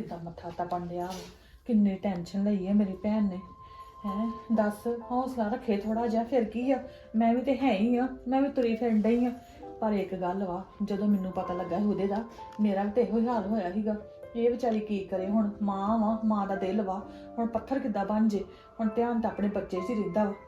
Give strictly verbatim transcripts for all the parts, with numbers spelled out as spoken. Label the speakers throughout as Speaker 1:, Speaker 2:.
Speaker 1: ਕਿਦਾਂ ਮੱਥਾ ਤਪਣ ਡਿਆ ਵਾ। ਕਿੰਨੀ ਟੈਨਸ਼ਨ ਲਈ ਹੈ ਮੇਰੀ ਭੈਣ ਨੇ। ਹੈ ਦੱਸ, ਹੌਸਲਾ ਰੱਖੇ ਥੋੜਾ ਜਿਹਾ, ਫਿਰ ਕੀ ਆ। ਮੈਂ ਵੀ ਤੇ ਹੈ ਹੀ ਆ, ਮੈਂ ਵੀ ਤੁਰੀ ਫਿਰਨ ਡਈ ਆ। ਪਰ ਇੱਕ ਗੱਲ ਵਾ, ਜਦੋਂ ਮੈਨੂੰ ਪਤਾ ਲੱਗਾ ਸੀ ਉਹਦੇ ਦਾ, ਮੇਰਾ ਵੀ ਤੇ ਇਹੋ ਹੀ ਹਾਲ ਹੋਇਆ ਸੀਗਾ। ਇਹ ਵਿਚਾਰੀ ਕੀ ਕਰੇ ਹੁਣ, ਮਾਂ ਵਾ, ਮਾਂ ਦਾ ਦਿਲ ਵਾ, ਹੁਣ ਪੱਥਰ ਕਿੱਦਾਂ ਬਣ ਜੇ। ਹੁਣ ਧਿਆਨ ਤਾਂ ਆਪਣੇ ਬੱਚੇ 'ਚ ਹੀ ਰਹਿੰਦਾ ਵਾ।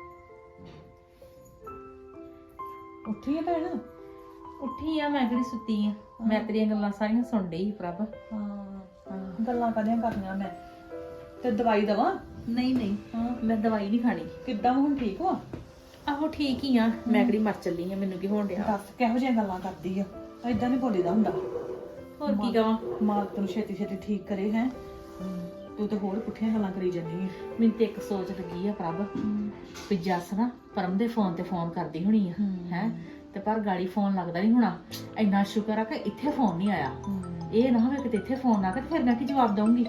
Speaker 1: ਉੱਠੀ ਆ ਭੈਣ?
Speaker 2: ਉੱਠੀ ਆ, ਮੈਂ ਕਿਹੜੀ ਸੁੱਤੀ ਆ। ਮੈਂ ਤੇਰੀਆਂ ਗੱਲਾਂ ਸਾਰੀਆਂ ਸੁਣ ਡਈ ਸੀ ਪ੍ਰਭ।
Speaker 1: ਹਾਂ ਗੱਲਾਂ ਕਾਹਦੀਆਂ ਕਰਨੀਆਂ ਮੈਂ। ਤੇ ਦਵਾਈ ਦਵਾਂ?
Speaker 2: ਨਹੀਂ ਨਹੀਂ,
Speaker 1: ਹਾਂ
Speaker 2: ਮੈਂ ਦਵਾਈ ਨਹੀਂ ਖਾਣੀ।
Speaker 1: ਕਿੱਦਾਂ ਹੁਣ ਠੀਕ ਵਾ?
Speaker 2: ਆਹੋ ਠੀਕ ਹੀ ਆ। ਮੈਂ ਕਿਹੜੀ ਮਰ ਚੱਲੀ ਆ, ਮੈਨੂੰ ਕੀ ਹੋਣ ਡਿਆ।
Speaker 1: ਦੱਸ ਕਿਹੋ ਜਿਹੀਆਂ ਗੱਲਾਂ ਕਰਦੀ ਆ। ਏਦਾਂ ਨਹੀਂ ਬੋਲੀਦਾ ਹੁੰਦਾ।
Speaker 2: ਹੋਰ ਕੀ ਕਵਾਂ।
Speaker 1: ਮਾਲਕ ਤੈਨੂੰ ਛੇਤੀ ਛੇਤੀ ਠੀਕ ਕਰੇ। ਹੈ ਤੂੰ ਤੇ ਹੋਰ ਪੁੱਠੀਆਂ ਗੱਲਾਂ ਕਰੀ ਜਾਂਦੀ ਹੈ।
Speaker 2: ਮੈਨੂੰ ਤੇ ਇੱਕ ਸੋਚ ਲੱਗੀ ਆ ਪ੍ਰਭ, ਵੀ ਜੱਸ ਨਾ ਪਰਮ ਦੇ ਫੋਨ ਤੇ ਫੋਨ ਕਰਦੀ ਹੋਣੀ ਆ ਹੈ, ਤੇ ਪਰ ਗਾੜੀ ਫੋਨ ਲੱਗਦਾ ਨਹੀਂ ਹੋਣਾ। ਇੰਨਾ ਸ਼ੁਕਰ ਆ ਕਿ ਇੱਥੇ ਫੋਨ ਨਹੀਂ ਆਇਆ। ਇਹ ਨਾ ਹੋਵੇ ਕਿ ਇੱਥੇ ਫੋਨ ਆ ਕੇ ਫਿਰ ਮੈਂ ਕੀ ਜਵਾਬ ਦਊਂਗੀ।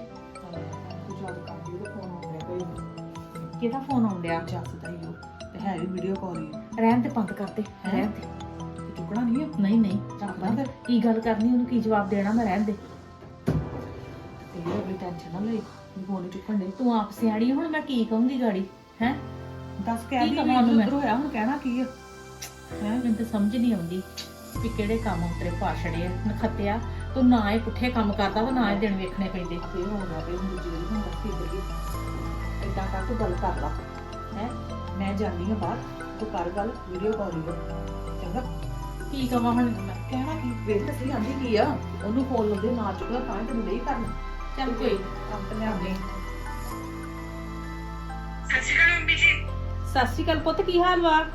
Speaker 2: ਕਿਹਦਾ ਫੋਨ ਆਉਣ ਡਿਆ?
Speaker 1: ਜੱਸ ਦਾ ਹੀ ਉਹ ਤੇ ਹੈ ਵੀ ਵੀਡੀਓ ਕਾਲ ਹੀ।
Speaker 2: ਰਹਿਣ ਤੇ ਬੰਦ ਕਰਦੇ, ਰਹਿਣ ਤੇ।
Speaker 1: ਚੁੱਕਣਾ ਨਹੀਂ ਆ?
Speaker 2: ਨਹੀਂ ਨਹੀਂ,
Speaker 1: ਚੱਕਦਾ ਫਿਰ
Speaker 2: ਕੀ ਗੱਲ ਕਰਨੀ, ਉਹਨੂੰ ਕੀ ਜਵਾਬ ਦੇਣਾ, ਮੈਂ ਰਹਿਣ ਦੇ।
Speaker 1: ਤੇ ਅਗਲੀ ਟੈਨਸ਼ਨ ਨਾ ਲਈ, ਫੋਨ ਹੀ ਚੁੱਕਣ ਦੇ।
Speaker 2: ਤੂੰ ਆਪ ਸਿਆਣੀ, ਹੁਣ ਮੈਂ ਕੀ ਕਹੂੰਗੀ ਗਾੜੀ ਹੈ।
Speaker 1: ਦੱਸ ਕਹਿ ਦੀ
Speaker 2: ਕਹਾਂ ਉਹਨੂੰ ਮੈਂ?
Speaker 1: ਹੋਇਆ ਹੁਣ ਕਹਿਣਾ ਕੀ ਆ?
Speaker 2: ਹੈ ਮੈਨੂੰ ਤਾਂ ਸਮਝ ਨਹੀਂ ਆਉਂਦੀ ਵੀ ਕਿਹੜੇ ਕੰਮ ਤੇਰੇ ਪਾਛੜੇ ਆ ਨਖੱਤਿਆ। ਤੂੰ ਨਾ ਇਹ ਪੁੱਠੇ ਕੰਮ ਕਰਦਾ ਤੇ ਨਾ ਇਹ ਦਿਨ ਵੇਖਣੇ ਪੈਂਦੇ।
Speaker 1: ਫੇਰ ਹੋ ਗਿਆ ਤੇ ਹੁਣ ਜਿਹੜੀ ਹੁਣ ਦੱਸ ਕੀ ਕਰੀਏ। ਏਦਾਂ ਕਰ, ਤੂੰ ਗੱਲ ਕਰ ਲਾ। ਹੈ ਮੈਂ ਜਾਂਦੀ ਹਾਂ ਬਾਹਰ, ਤੂੰ ਕਰ ਗੱਲ, ਵੀਡੀਓ ਕਾਲ ਹੀ ਚੰਗਾ।
Speaker 2: ਕੀ ਕਵਾਂ ਹੁਣ ਮੈਂ?
Speaker 1: ਕਹਿਣਾ ਕੀ, ਵੇਖ ਤਾਂ ਸਹੀ ਆਂਦੀ ਕੀ ਆ। ਉਹਨੂੰ ਫੋਨ ਲਾਉਂਦੇ ਨਾ ਚੁੱਕਦਾ ਤਾਂ ਹੀ ਤੈਨੂੰ ਨਹੀਂ ਕਰਨਾ।
Speaker 2: ਚੱਲ ਕੋਈ
Speaker 1: ਕੰਮ ਤੇ ਲਿਆਉਂਦੇ।
Speaker 3: ਸਤਿ ਸ਼੍ਰੀ ਅਕਾਲ ਮੰਮੀ ਜੀ।
Speaker 2: ਸਤਿ ਸ਼੍ਰੀ ਅਕਾਲ ਪੁੱਤ, ਕੀ ਹਾਲ ਵਾ?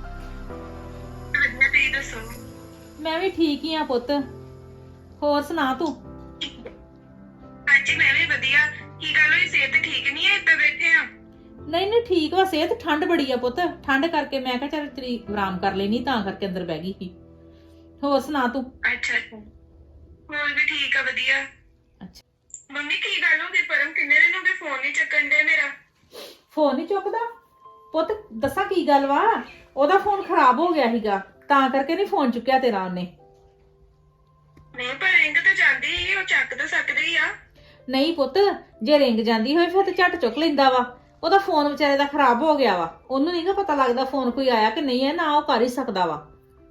Speaker 3: ਵਧੀਆ, ਤੁਸੀਂ ਦੱਸੋ?
Speaker 2: ਮੈਂ ਵੀ ਠੀਕ ਹੀ ਆ ਪੁੱਤ। ਹੋਰ ਸੁਣਾ ਤੂੰ?
Speaker 3: ਹਾਂਜੀ ਮੈਂ ਵੀ ਵਧੀਆ। ਕੀ ਗੱਲ ਹੋਈ, ਸਿਹਤ ਠੀਕ ਨਹੀਂ ਹੈ? ਇੱਦਾਂ ਬੈਠੇ ਆ?
Speaker 2: ਨਹੀਂ ਨਹੀਂ ਠੀਕ ਵਾ ਸਿਹਤ। ਠੰਡ ਬੜੀ ਆ ਪੁੱਤ, ਠੰਡ ਕਰਕੇ ਮੈਂ ਕਿਹਾ ਚੱਲ ਤੇਰੀ ਆਰਾਮ ਕਰ ਲੈਣੀ, ਤਾਂ ਕਰਕੇ ਅੰਦਰ ਬਹਿ ਗਈ ਸੀ। ਹੋਰ ਸੁਣਾ ਤੂੰ?
Speaker 3: ਅੱਛਾ ਅੱਛਾ, ਹੋਰ ਵੀ ਠੀਕ ਆ, ਵਧੀਆ।
Speaker 2: ਅੱਛਾ
Speaker 3: ਮੰਮੀ ਕੀ ਗੱਲ ਹੋ ਗਈ? ਪਰਮ ਕਿੰਨੇ ਦਿਨ ਹੋ ਗਏ ਫੋਨ ਨਹੀਂ ਚੱਕਣ ਦੇ ਮੇਰਾ।
Speaker 2: ਫੋਨ ਨਹੀਂ ਚੁੱਕਦਾ ਪੁੱਤ? ਦੱਸਾਂ ਕੀ ਗੱਲ ਵਾ, ਉਹਦਾ ਫੋਨ ਖਰਾਬ ਹੋ ਗਿਆ ਸੀਗਾ, ਤਾਂ ਕਰਕੇ ਨਹੀਂ ਫੋਨ ਚੁੱਕਿਆ ਤੇਰਾ ਉਹਨੇ।
Speaker 3: ਨਹੀਂ ਪਰ ਰਿੰਗ ਤਾਂ ਜਾਂਦੀ ਹੀ, ਉਹ ਚੱਕ ਤਾਂ ਸਕਦੇ ਹੀ ਆ।
Speaker 2: ਨਹੀਂ ਪੁੱਤ, ਜੇ ਰਿੰਗ ਜਾਂਦੀ ਹੋਵੇ ਫਿਰ ਤੇ ਝੱਟ ਚੁੱਕ ਲੈਂਦਾ ਵਾ। ਉਹਦਾ ਫੋਨ ਵਿਚਾਰੇ ਦਾ ਖਰਾਬ ਹੋ ਗਿਆ ਵਾ, ਉਹਨੂੰ ਨਹੀਂਗਾ ਪਤਾ ਲੱਗਦਾ ਫੋਨ ਕੋਈ ਆਇਆ ਕਿ ਨਹੀਂ ਹੈ, ਨਾ ਉਹ ਕਰ ਹੀ ਸਕਦਾ ਵਾ।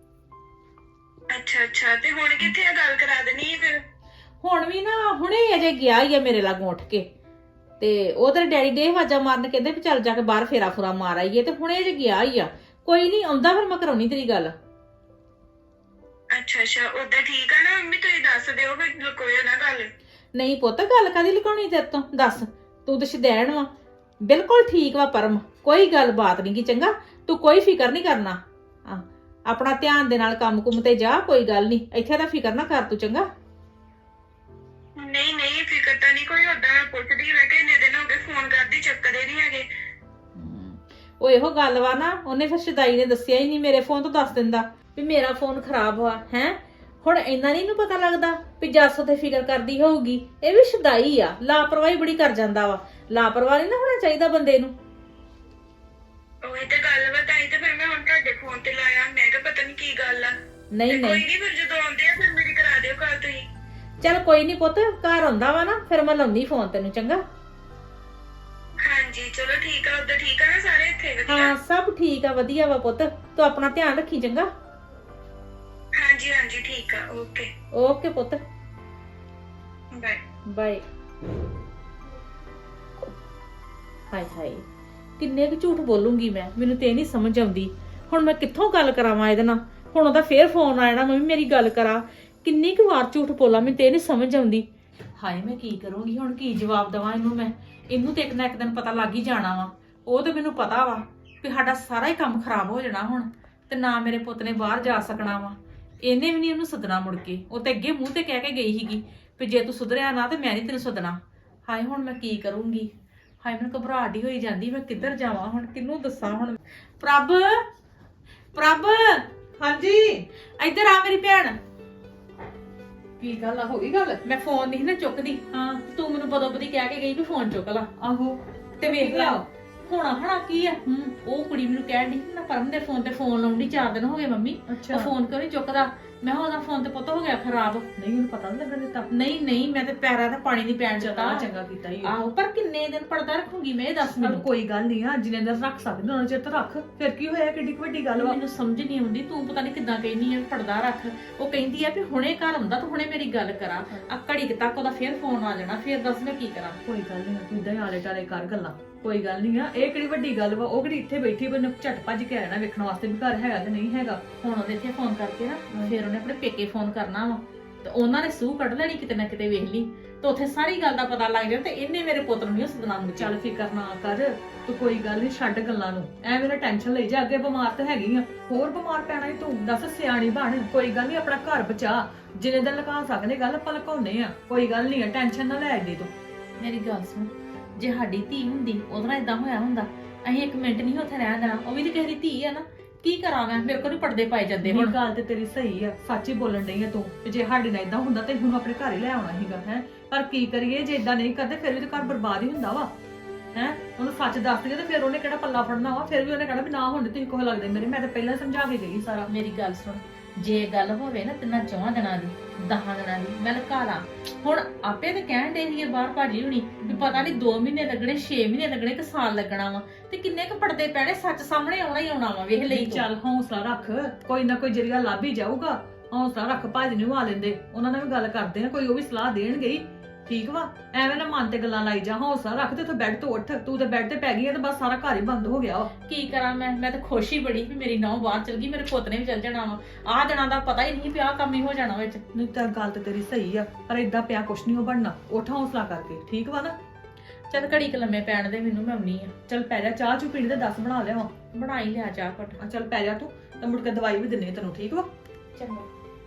Speaker 3: ਅੱਛਾ ਅੱਛਾ, ਤੇ ਹੁਣ ਕਿੱਥੇ ਆ? ਗੱਲ ਕਰਾ ਦੇਣੀ ਫਿਰ।
Speaker 2: ਹੁਣ ਵੀ ਨਾ ਹੁਣੇ ਅਜੇ ਗਿਆ ਹੀ ਆ ਮੇਰੇ ਲਾਗੋਂ ਉੱਠ ਕੇ, ਤੇ ਉਹ ਤੇਰੇ ਡੈਡੀ ਦੇ ਆਵਾਜ਼ਾਂ ਮਾਰਨ ਕਹਿੰਦੇ ਵੀ ਚੱਲ ਜਾ ਕੇ ਬਾਹਰ ਫੇਰਾ ਫੁਰਾ ਮਾਰ ਆਈਏ, ਤੇ ਹੁਣੇ ਅਜੇ ਗਿਆ ਹੀ ਆ। ਕੋਈ ਨਹੀਂ ਆਉਂਦਾ ਫਿਰ ਮੈਂ ਕਰਾਉਣੀ ਤੇਰੀ ਗੱਲ।
Speaker 3: ਅੱਛਾ ਅੱਛਾ, ਉਦਾਂ ਠੀਕ ਆ ਨਾ ਮੰਮੀ? ਤੁਸੀਂ ਦੱਸ ਦਿਓ ਫਿਰ, ਲੁਕੋਇਓ ਨਾ ਗੱਲ।
Speaker 2: ਨਹੀਂ ਪੁੱਤ, ਗੱਲ ਕਾਹਦੀ ਲੁਕਾਉਣੀ ਤੇਰੇ ਤੋਂ? ਦੱਸ, ਤੂੰ ਤਾਂ ਸ਼ਦੈਣ ਵਾ। ਬਿਲਕੁਲ ਠੀਕ ਵਾ ਪਰਮ, ਕੋਈ ਗੱਲ ਬਾਤ ਨਹੀਂ ਗੀ। ਚੰਗਾ, ਤੂੰ ਕੋਈ ਫਿਕਰ ਨਹੀਂ ਕਰਨਾ। ਆ ਆਪਣਾ ਧਿਆਨ ਦੇ ਨਾਲ ਕੰਮ ਕੁੰਮ ਤੇ ਜਾ, ਕੋਈ ਗੱਲ ਨਹੀਂ, ਇੱਥੇ ਦਾ ਫਿਕਰ ਨਾ ਕਰ ਤੂੰ। ਚੰਗਾ
Speaker 3: ਨਹੀਂ ਨਹੀਂ, ਫਿਕਰ ਤਾਂ ਨਹੀਂ ਕੋਈ। ਉਦਾਂ ਮੈਂ ਪੁੱਛਦੀ, ਮੈਂ ਕਿਹਾ ਇੰਨੇ ਦਿਨ ਹੋ ਗਏ ਫੋਨ ਕਰਦੀ, ਚੱਕਦੇ ਨਹੀਂ ਹੈਗੇ।
Speaker 2: ਉਹ ਇਹੋ ਗੱਲ ਵਾ ਨਾ, ਉਹਨੇ ਫਿਰ ਸ਼ਦਾਈ ਨੇ ਦੱਸਿਆ ਹੀ ਨਹੀਂ। ਮੇਰੇ ਫੋਨ ਤੋਂ ਦੱਸ ਦਿੰਦਾ ਵੀ ਮੇਰਾ ਫੋਨ ਖਰਾਬ ਹੋਆ ਹੈ। ਹੁਣ ਇੰਨਾ ਨਹੀਂ ਨੂੰ ਪਤਾ ਲੱਗਦਾ ਵੀ ਜੱਸ ਤੇ ਫਿਕਰ ਕਰਦੀ ਹੋਊਗੀ। ਇਹ ਵੀ ਸ਼ਦਾਈ ਆ, ਲਾਪਰਵਾਹੀ ਬੜੀ ਕਰ ਜਾਂਦਾ ਵਾ। ਲਾਪਰਵਾਹ ਨਹੀਂ ਨਾ ਹੋਣਾ ਚਾਹੀਦਾ ਬੰਦੇ ਨੂੰ।
Speaker 3: ਉਹੀ ਤੇ ਗੱਲ ਵਾ, ਤਾਂ ਹੀ ਤੇ ਫਿਰ ਮੈਂ ਹੁਣ ਤੁਹਾਡੇ ਫੋਨ ਤੇ ਲਾਇਆ। ਮੈਂ ਕਿਹਾ ਪਤਾ ਨਹੀਂ ਕੀ ਗੱਲ ਆ।
Speaker 2: ਨਹੀਂ
Speaker 3: ਕੋਈ
Speaker 2: ਨਹੀਂ
Speaker 3: ਨਹੀਂ, ਫਿਰ ਜਦੋਂ ਆਉਂਦੇ ਆ ਫਿਰ ਮੇਰੀ ਕਰਾ ਦਿਓ ਕਾਲ ਤੁਸੀਂ।
Speaker 2: ਚੱਲ ਕੋਈ ਨਹੀਂ ਪੁੱਤ, ਘਰ ਆਉਂਦਾ ਵਾ ਨਾ ਫਿਰ ਮੈਂ ਲਾਉਂਦੀ ਫੋਨ ਤੈਨੂੰ। ਚੰਗਾ
Speaker 3: ਹਾਂਜੀ ਚਲੋ ਠੀਕ ਆ। ਉਧਰ ਠੀਕ ਆ ਨਾ ਸਾਰੇ? ਇੱਥੇ ਵਧੀਆ?
Speaker 2: ਹਾਂ ਸਭ ਠੀਕ ਆ, ਵਧੀਆ ਵਾ ਪੁੱਤ। ਤੂੰ ਆਪਣਾ ਧਿਆਨ ਰੱਖੀ। ਚੰਗਾ
Speaker 3: ਹਾਂਜੀ ਹਾਂਜੀ ਠੀਕ ਆ, ਓਕੇ
Speaker 2: ਓਕੇ ਪੁੱਤ,
Speaker 3: ਬਾਏ
Speaker 2: ਬਾਏ। ਹਾਏ ਹਾਏ, ਕਿੰਨੇ ਕੁ ਝੂਠ ਬੋਲੂੰਗੀ ਮੈਂ, ਮੈਨੂੰ ਤੇ ਨਹੀਂ ਸਮਝ ਆਉਂਦੀ। ਹੁਣ ਮੈਂ ਕਿੱਥੋਂ ਗੱਲ ਕਰਾਵਾਂ ਇਹਦੇ ਨਾਲ? ਹੁਣ ਉਹਦਾ ਫੇਰ ਫੋਨ ਆ ਜਾਣਾ, ਮੈਂ ਵੀ ਮੇਰੀ ਗੱਲ ਕਰਾਂ। ਕਿੰਨੀ ਕੁ ਵਾਰ ਝੂਠ ਬੋਲਾਂ, ਮੈਨੂੰ ਤੇ ਨਹੀਂ ਸਮਝ ਆਉਂਦੀ। ਹਾਏ ਮੈਂ ਕੀ ਕਰੂੰਗੀ ਹੁਣ, ਕੀ ਜਵਾਬ ਦੇਵਾਂ ਇਹਨੂੰ ਮੈਂ? ਇਹਨੂੰ ਤੇ ਇੱਕ ਨਾ ਇੱਕ ਦਿਨ ਪਤਾ ਲੱਗ ਹੀ ਜਾਣਾ ਵਾ। ਉਹ ਤੇ ਮੈਨੂੰ ਪਤਾ ਵਾ ਵੀ ਸਾਡਾ ਸਾਰਾ ਹੀ ਕੰਮ ਖਰਾਬ ਹੋ ਜਾਣਾ ਹੁਣ, ਤੇ ਨਾ ਮੇਰੇ ਪੁੱਤ ਨੇ ਬਾਹਰ ਜਾ ਸਕਣਾ ਵਾ। ਇਹਨੇ ਵੀ ਨਹੀਂ ਉਹਨੂੰ ਸੱਦਣਾ ਮੁੜ ਕੇ। ਉਹ ਤੇ ਅੱਗੇ ਮੂੰਹ ਤੇ ਕਹਿ ਕੇ ਗਈ ਸੀਗੀ ਵੀ ਜੇ ਤੂੰ ਸੁਧਰਿਆ ਨਾ ਤੇ ਮੈਂ ਨਹੀਂ ਤੈਨੂੰ ਸੱਦਣਾ। ਹਾਏ ਹੁਣ ਮੈਂ ਕੀ ਕਰੂੰਗੀ? ਹਾਏ ਮੈਨੂੰ ਘਬਰਾਹਟ ਹੀ ਹੋਈ ਜਾਂਦੀ, ਮੈਂ ਕਿੱਧਰ ਜਾਵਾਂ ਹੁਣ, ਕਿਹਨੂੰ ਦੱਸਾਂ ਹੁਣ? ਪ੍ਰਭ, ਪ੍ਰਭ,
Speaker 1: ਹਾਂਜੀ
Speaker 2: ਇੱਧਰ ਆ ਮੇਰੀ ਭੈਣ।
Speaker 1: ਕੀ ਗੱਲ ਆ, ਹੋ ਗਈ ਗੱਲ?
Speaker 2: ਮੈਂ ਫੋਨ ਨਹੀਂ ਨਾ ਚੁੱਕਦੀ।
Speaker 1: ਹਾਂ
Speaker 2: ਤੂੰ ਮੈਨੂੰ ਬਦੋ ਬਦੀ ਕਹਿ ਕੇ ਗਈ ਵੀ ਫੋਨ ਚੁੱਕ ਲਾ।
Speaker 1: ਆਹੋ
Speaker 2: ਤੇ ਵੇਖ ਲਾ, ਹੋਣਾ ਹਣਾ ਕੀ ਆ ਉਹ ਕੁੜੀ ਮੈਨੂੰ ਕਹਿਣ ਦੀ ਮੈਂ ਪਰਮ ਦੇ ਫੋਨ ਤੇ ਫੋਨ ਲਾਉਂਦੀ ਚਾਰ ਦਿਨ ਹੋ ਗਏ ਮੰਮੀ
Speaker 1: ਅੱਛਾ।
Speaker 2: ਉਹ ਫੋਨ ਕਿਉਂ ਨਹੀਂ ਚੁੱਕਦਾ ਮੈਂ ਕਿਹਾ ਉਹਦਾ ਫੋਨ ਤੇ ਪੁੱਤ ਹੋ ਗਿਆ ਖਰਾਬ
Speaker 1: ਨਹੀਂ ਉਹਨੂੰ ਪਤਾ ਨਹੀਂ ਲੱਗਣ ਦਿੱਤਾ।
Speaker 2: ਨਹੀਂ ਨਹੀਂ ਮੈਂ ਤੇ ਪੈਰਾਂ ਤੇ ਪਾਣੀ ਨਹੀਂ ਪੈਣ ਦਿੱਤਾ
Speaker 1: ਚੰਗਾ ਚੰਗਾ ਕੀਤਾ ਹੀ
Speaker 2: ਆਹੋ ਪਰ ਕਿੰਨੇ ਦਿਨ ਪਰਦਾ ਰੱਖੂਗੀ ਮੈਂ ਇਹ ਦੱਸ
Speaker 1: ਪਰ
Speaker 2: ਮੈਨੂੰ
Speaker 1: ਕੋਈ ਗੱਲ ਨਹੀਂ ਆ ਜਿੰਨੇ ਦਿਨ ਰੱਖ ਸਕਦੇ ਉਹਨਾਂ ਚਿਰ ਤਾਂ ਰੱਖ ਫਿਰ ਕੀ ਹੋਇਆ ਕਿੱਡੀ ਕੁ ਵੱਡੀ ਗੱਲ ਵਾ।
Speaker 2: ਮੈਨੂੰ ਸਮਝ ਨਹੀਂ ਆਉਂਦੀ ਤੂੰ ਪਤਾ ਨਹੀਂ ਕਿੱਦਾਂ ਕਹਿੰਦੀ ਆ ਪਰਦਾ ਰੱਖ ਉਹ ਕਹਿੰਦੀ ਆ ਵੀ ਹੁਣੇ ਘਰ ਹੁੰਦਾ ਤੂੰ ਹੁਣੇ ਮੇਰੀ ਗੱਲ ਕਰਾਂ ਆ ਘੜੀ ਕੁ ਤੱਕ ਉਹਦਾ ਫੇਰ ਫੋਨ ਆ ਜਾਣਾ ਫੇਰ ਦੱਸ ਮੈਂ ਕੀ ਕਰਾਂ
Speaker 1: ਕੋਈ ਗੱਲ ਨਹੀਂ ਤੂੰ ਇਦਾਂ ਹੀ ਆਲੇ ਟਾਲੇ ਕਰ ਗੱਲਾਂ ਕੋਈ ਗੱਲ ਨਹੀਂ ਆ ਇਹ ਕਿਹੜੀ ਵੱਡੀ ਗੱਲ ਵਾ ਉਹ ਕਿਹੜੀ ਇੱਥੇ ਬੈਠੀ ਮੈਨੂੰ ਝਟ ਭੱਜ ਕੇ ਆਣਾ ਵੇਖਣ ਵਾਸਤੇ ਵੀ ਘਰ ਹੈਗਾ ਕਿ ਨਹੀਂ ਹੈਗਾ।
Speaker 2: ਹੁਣ ਉਹਦੇ ਇੱਥੇ ਫੋਨ ਕਰਕੇ ਨਾ ਫਿਰ ਉਹਨੇ ਆਪਣੇ ਪੇਕੇ ਫੋਨ ਕਰਨਾ ਵਾ ਤੇ ਉਹਨਾਂ ਨੇ ਸੂਹ ਕੱਢ ਲੈਣੀ ਕਿਤੇ ਨਾ ਕਿਤੇ ਵੇਖ ਲਈ ਤੇ ਉੱਥੇ ਸਾਰੀ ਗੱਲ ਦਾ ਪਤਾ ਲੱਗ ਜਾਣਾ ਤੇ ਇਹਨੇ ਮੇਰੇ ਪੁੱਤ ਨੂੰ ਨਹੀਂ ਸਦਨਾਮ
Speaker 1: ਚੱਲ ਫਿਕਰ ਨਾ ਕਰ ਤੂੰ ਕੋਈ ਗੱਲ ਨਹੀਂ ਛੱਡ ਗੱਲਾਂ ਨੂੰ ਐ ਮੇਰਾ ਟੈਨਸ਼ਨ ਲਈ ਜਾ ਅੱਗੇ ਬਿਮਾਰ ਤਾਂ ਹੈਗੀ ਆ ਹੋਰ ਬਿਮਾਰ ਪੈਣਾ ਹੀ ਤੂੰ ਦੱਸ ਸਿਆਣੀ ਬਣ ਕੋਈ ਗੱਲ ਨਹੀਂ ਆਪਣਾ ਘਰ ਬਚਾ ਜਿੰਨੇ ਦਿਨ ਲਗਾ ਸਕਦੇ ਗੱਲ ਆਪਾਂ ਲਕਾਉਨੇ ਆ ਕੋਈ ਗੱਲ ਨਹੀਂ ਆ ਟੈਨਸ਼ਨ ਨਾ ਲੈ ਐਡੀ ਤੂੰ।
Speaker 2: ਮੇਰੀ ਗੱਲ ਸੁਣ ਜੇ ਸਾਡੀ ਧੀ ਹੁੰਦੀ ਉਹਦੇ ਨਾਲ ਇਦਾਂ ਹੋਇਆ ਹੁੰਦਾ ਅਸੀਂ ਇੱਕ ਮਿੰਟ ਨਹੀਂ ਉੱਥੇ ਰਹਿਣ ਦੇਣਾ ਉਹ ਵੀ ਤੇ ਕਿਸੇ ਦੀ ਧੀ ਆ ਨਾ ਕੀ ਕਰਾਂ ਮੈਂ ਮੇਰੇ ਕੋਲ ਨੀ ਪਰਦੇ ਪਾਏ ਜਾਂਦੇ
Speaker 1: ਹੁਣ
Speaker 2: ਹੁਣ
Speaker 1: ਗੱਲ ਤੇ ਤੇਰੀ ਸਹੀ ਆ ਸੱਚ ਹੀ ਬੋਲਣ ਡਈ ਆ ਤੂੰ ਤੇ ਜੇ ਸਾਡੇ ਨਾਲ ਇਦਾਂ ਹੁੰਦਾ ਤੇ ਹੁਣ ਆਪਣੇ ਘਰ ਹੀ ਲੈ ਆਉਣਾ ਸੀਗਾ ਹੈ ਪਰ ਕੀ ਕਰੀਏ ਜੇ ਇਦਾਂ ਨਹੀਂ ਕਰਦੇ ਫਿਰ ਵੀ ਤੇ ਘਰ ਬਰਬਾਦ ਹੀ ਹੁੰਦਾ ਵਾ ਹੈ ਉਹਨੂੰ ਸੱਚ ਦੱਸ ਦਈਏ ਤੇ ਫਿਰ ਉਹਨੇ ਕਿਹੜਾ ਪੱਲਾ ਫੜਨਾ ਵਾ ਫਿਰ ਵੀ ਉਹਨੇ ਕਹਿਣਾ ਵੀ ਨਾ ਹੁਣ ਤੁਸੀਂ ਕੋਹ ਲੱਗਦੇ ਮੇਰੇ ਮੈਂ ਤਾਂ ਪਹਿਲਾਂ ਸਮਝਾ ਕੇ ਗਈ ਸਾਰਾ।
Speaker 2: ਮੇਰੀ ਗੱਲ ਸੁਣ ਜੇ ਗੱਲ ਹੋਵੇ ਨਾ ਤਿੰਨਾਂ ਚੌਹਾਂ ਦਿਨਾਂ ਦੀ ਦਹਾਂ ਦਿਨਾਂ ਦੀ ਮੈਂ ਲਕਾ ਲਾਂ ਹੁਣ ਆਪੇ ਤੇ ਕਹਿਣ ਦੇ ਸੀਗੇ ਬਾਹਰ ਭਾਜੀ ਹੁਣੀ ਵੀ ਪਤਾ ਨਹੀਂ ਦੋ ਮਹੀਨੇ ਲੱਗਣੇ ਛੇ ਮਹੀਨੇ ਲੱਗਣੇ ਕਿ ਸਾਲ ਲੱਗਣਾ ਵਾ ਤੇ ਕਿੰਨੇ ਕੁ ਪੜਦੇ ਪੈਣੇ ਸੱਚ ਸਾਹਮਣੇ ਆਉਣਾ ਹੀ ਆਉਣਾ ਵਾ ਵੇਖ ਲਈ ਤੂੰ।
Speaker 1: ਚੱਲ ਹੌਸਲਾ ਰੱਖ ਕੋਈ ਨਾ ਕੋਈ ਜਰੀਆ ਲੱਭ ਹੀ ਜਾਊਗਾ ਹੌਸਲਾ ਰੱਖ ਭਾਜੀ ਨੂੰ ਆ ਲੈਂਦੇ ਉਹਨਾਂ ਨਾਲ ਵੀ ਗੱਲ ਕਰਦੇ ਆ ਕੋਈ ਉਹ ਵੀ ਸਲਾਹ ਦੇਣਗੇ ਹੀ ਠੀਕ ਵਾ ਐਵੇਂ ਨਾ ਮਨ ਤੇ ਗੱਲਾਂ ਲਾਈ ਜਾ ਹੌਸਲਾ ਰੱਖ ਤੇ ਉੱਥੇ ਬੈੱਡ ਤੋਂ ਉੱਠ ਤੂੰ ਤੇ ਬੈੱਡ ਤੇ ਪੈ ਗਈ ਆ ਤੇ ਬਸ ਸਾਰਾ ਘਰ ਹੀ ਬੰਦ ਹੋ ਗਿਆ ਵਾ।
Speaker 2: ਕੀ ਕਰਾਂ ਮੈਂ ਮੈਂ ਤਾਂ ਖੁਸ਼ ਹੀ ਬੜੀ ਵੀ ਮੇਰੀ ਨੌਂ ਬਾਹਰ ਚਲ ਗਈ ਮੇਰੇ ਪੁੱਤ ਨੇ ਵੀ ਚਲ ਜਾਣਾ ਵਾ ਆਹ ਦਿਨਾਂ ਦਾ ਪਤਾ ਹੀ ਨਹੀਂ ਪਿਆ ਕੰਮ ਹੀ ਹੋ ਜਾਣਾ ਵਿੱਚ।
Speaker 1: ਨਹੀਂ ਤਾਂ ਗੱਲ ਤੇ ਤੇਰੀ ਸਹੀ ਆ ਪਰ ਏਦਾਂ ਪਿਆ ਕੁਛ ਨਹੀਂ ਉਹ ਬਣਨਾ ਉੱਠ ਹੌਸਲਾ ਕਰਕੇ ਠੀਕ ਵਾ ਨਾ।
Speaker 2: ਚੱਲ ਘੜੀ ਕ ਲੰਮੇ ਪੈਣ ਦੇ ਮੈਨੂੰ ਮੈਂ ਆਉਣੀ ਆ
Speaker 1: ਚੱਲ ਪੈ ਜਾ ਚਾਹ ਚੂ ਪੀਣੀ ਤੇ ਦੱਸ ਬਣਾ ਲਿਆ
Speaker 2: ਬਣਾਈ ਲਿਆ ਚਾਹ ਘਟ।
Speaker 1: ਆ ਚੱਲ ਪੈ ਜਾ ਤੂੰ ਤੇ ਮੁੜ ਕੇ ਦਵਾਈ ਵੀ ਦਿੰਨੇ ਤੈਨੂੰ ਠੀਕ ਵਾ।
Speaker 2: ਚੰਗਾ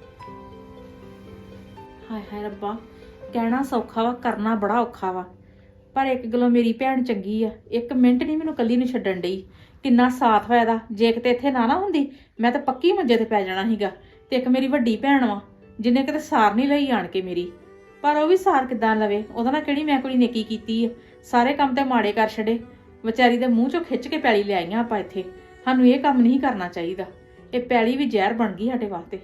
Speaker 2: ਹਾਏ ਹਾਏ ਰੱਬਾ ਕਹਿਣਾ ਸੌਖਾ ਵਾ ਕਰਨਾ ਬੜਾ ਔਖਾ ਵਾ ਪਰ ਇੱਕ ਗੱਲੋਂ ਮੇਰੀ ਭੈਣ ਚੰਗੀ ਆ ਇੱਕ ਮਿੰਟ ਨਹੀਂ ਮੈਨੂੰ ਕੱਲੀ ਨੂੰ ਛੱਡਣ ਡਈ ਕਿੰਨਾ ਸਾਥ ਹੋਇਆ ਦਾ ਜੇ ਕਿਤੇ ਇੱਥੇ ਨਾ ਨਾ ਹੁੰਦੀ ਮੈਂ ਤਾਂ ਪੱਕੀ ਮੰਜੇ ਤੇ ਪੈ ਜਾਣਾ ਸੀਗਾ ਤੇ ਇੱਕ ਮੇਰੀ ਵੱਡੀ ਭੈਣ ਵਾ ਜਿਹਨੇ ਕਿਤੇ ਸਾਰ ਨਹੀਂ ਲਈ ਆਣ ਕੇ ਮੇਰੀ ਪਰ ਉਹ ਵੀ ਸਾਰ ਕਿੱਦਾਂ ਲਵੇ ਉਹਦਾ ਨਾਲ ਕਿਹੜੀ ਮੈਂ ਕੋਈ ਨੇਕੀ ਕੀਤੀ ਆ ਸਾਰੇ ਕੰਮ ਤੇ ਮਾੜੇ ਕਰ ਛੱਡੇ ਵਿਚਾਰੀ ਦੇ ਮੂੰਹ ਚੋਂ ਖਿੱਚ ਕੇ ਪੈਲੀ ਲੈ ਆਈਆਂ ਆਪਾਂ ਇੱਥੇ ਸਾਨੂੰ ਇਹ ਕੰਮ ਨਹੀਂ ਕਰਨਾ ਚਾਹੀਦਾ ਇਹ ਪੈਲੀ ਵੀ ਜ਼ਹਿਰ ਬਣ ਗਈ ਸਾਡੇ ਵਾਸਤੇ।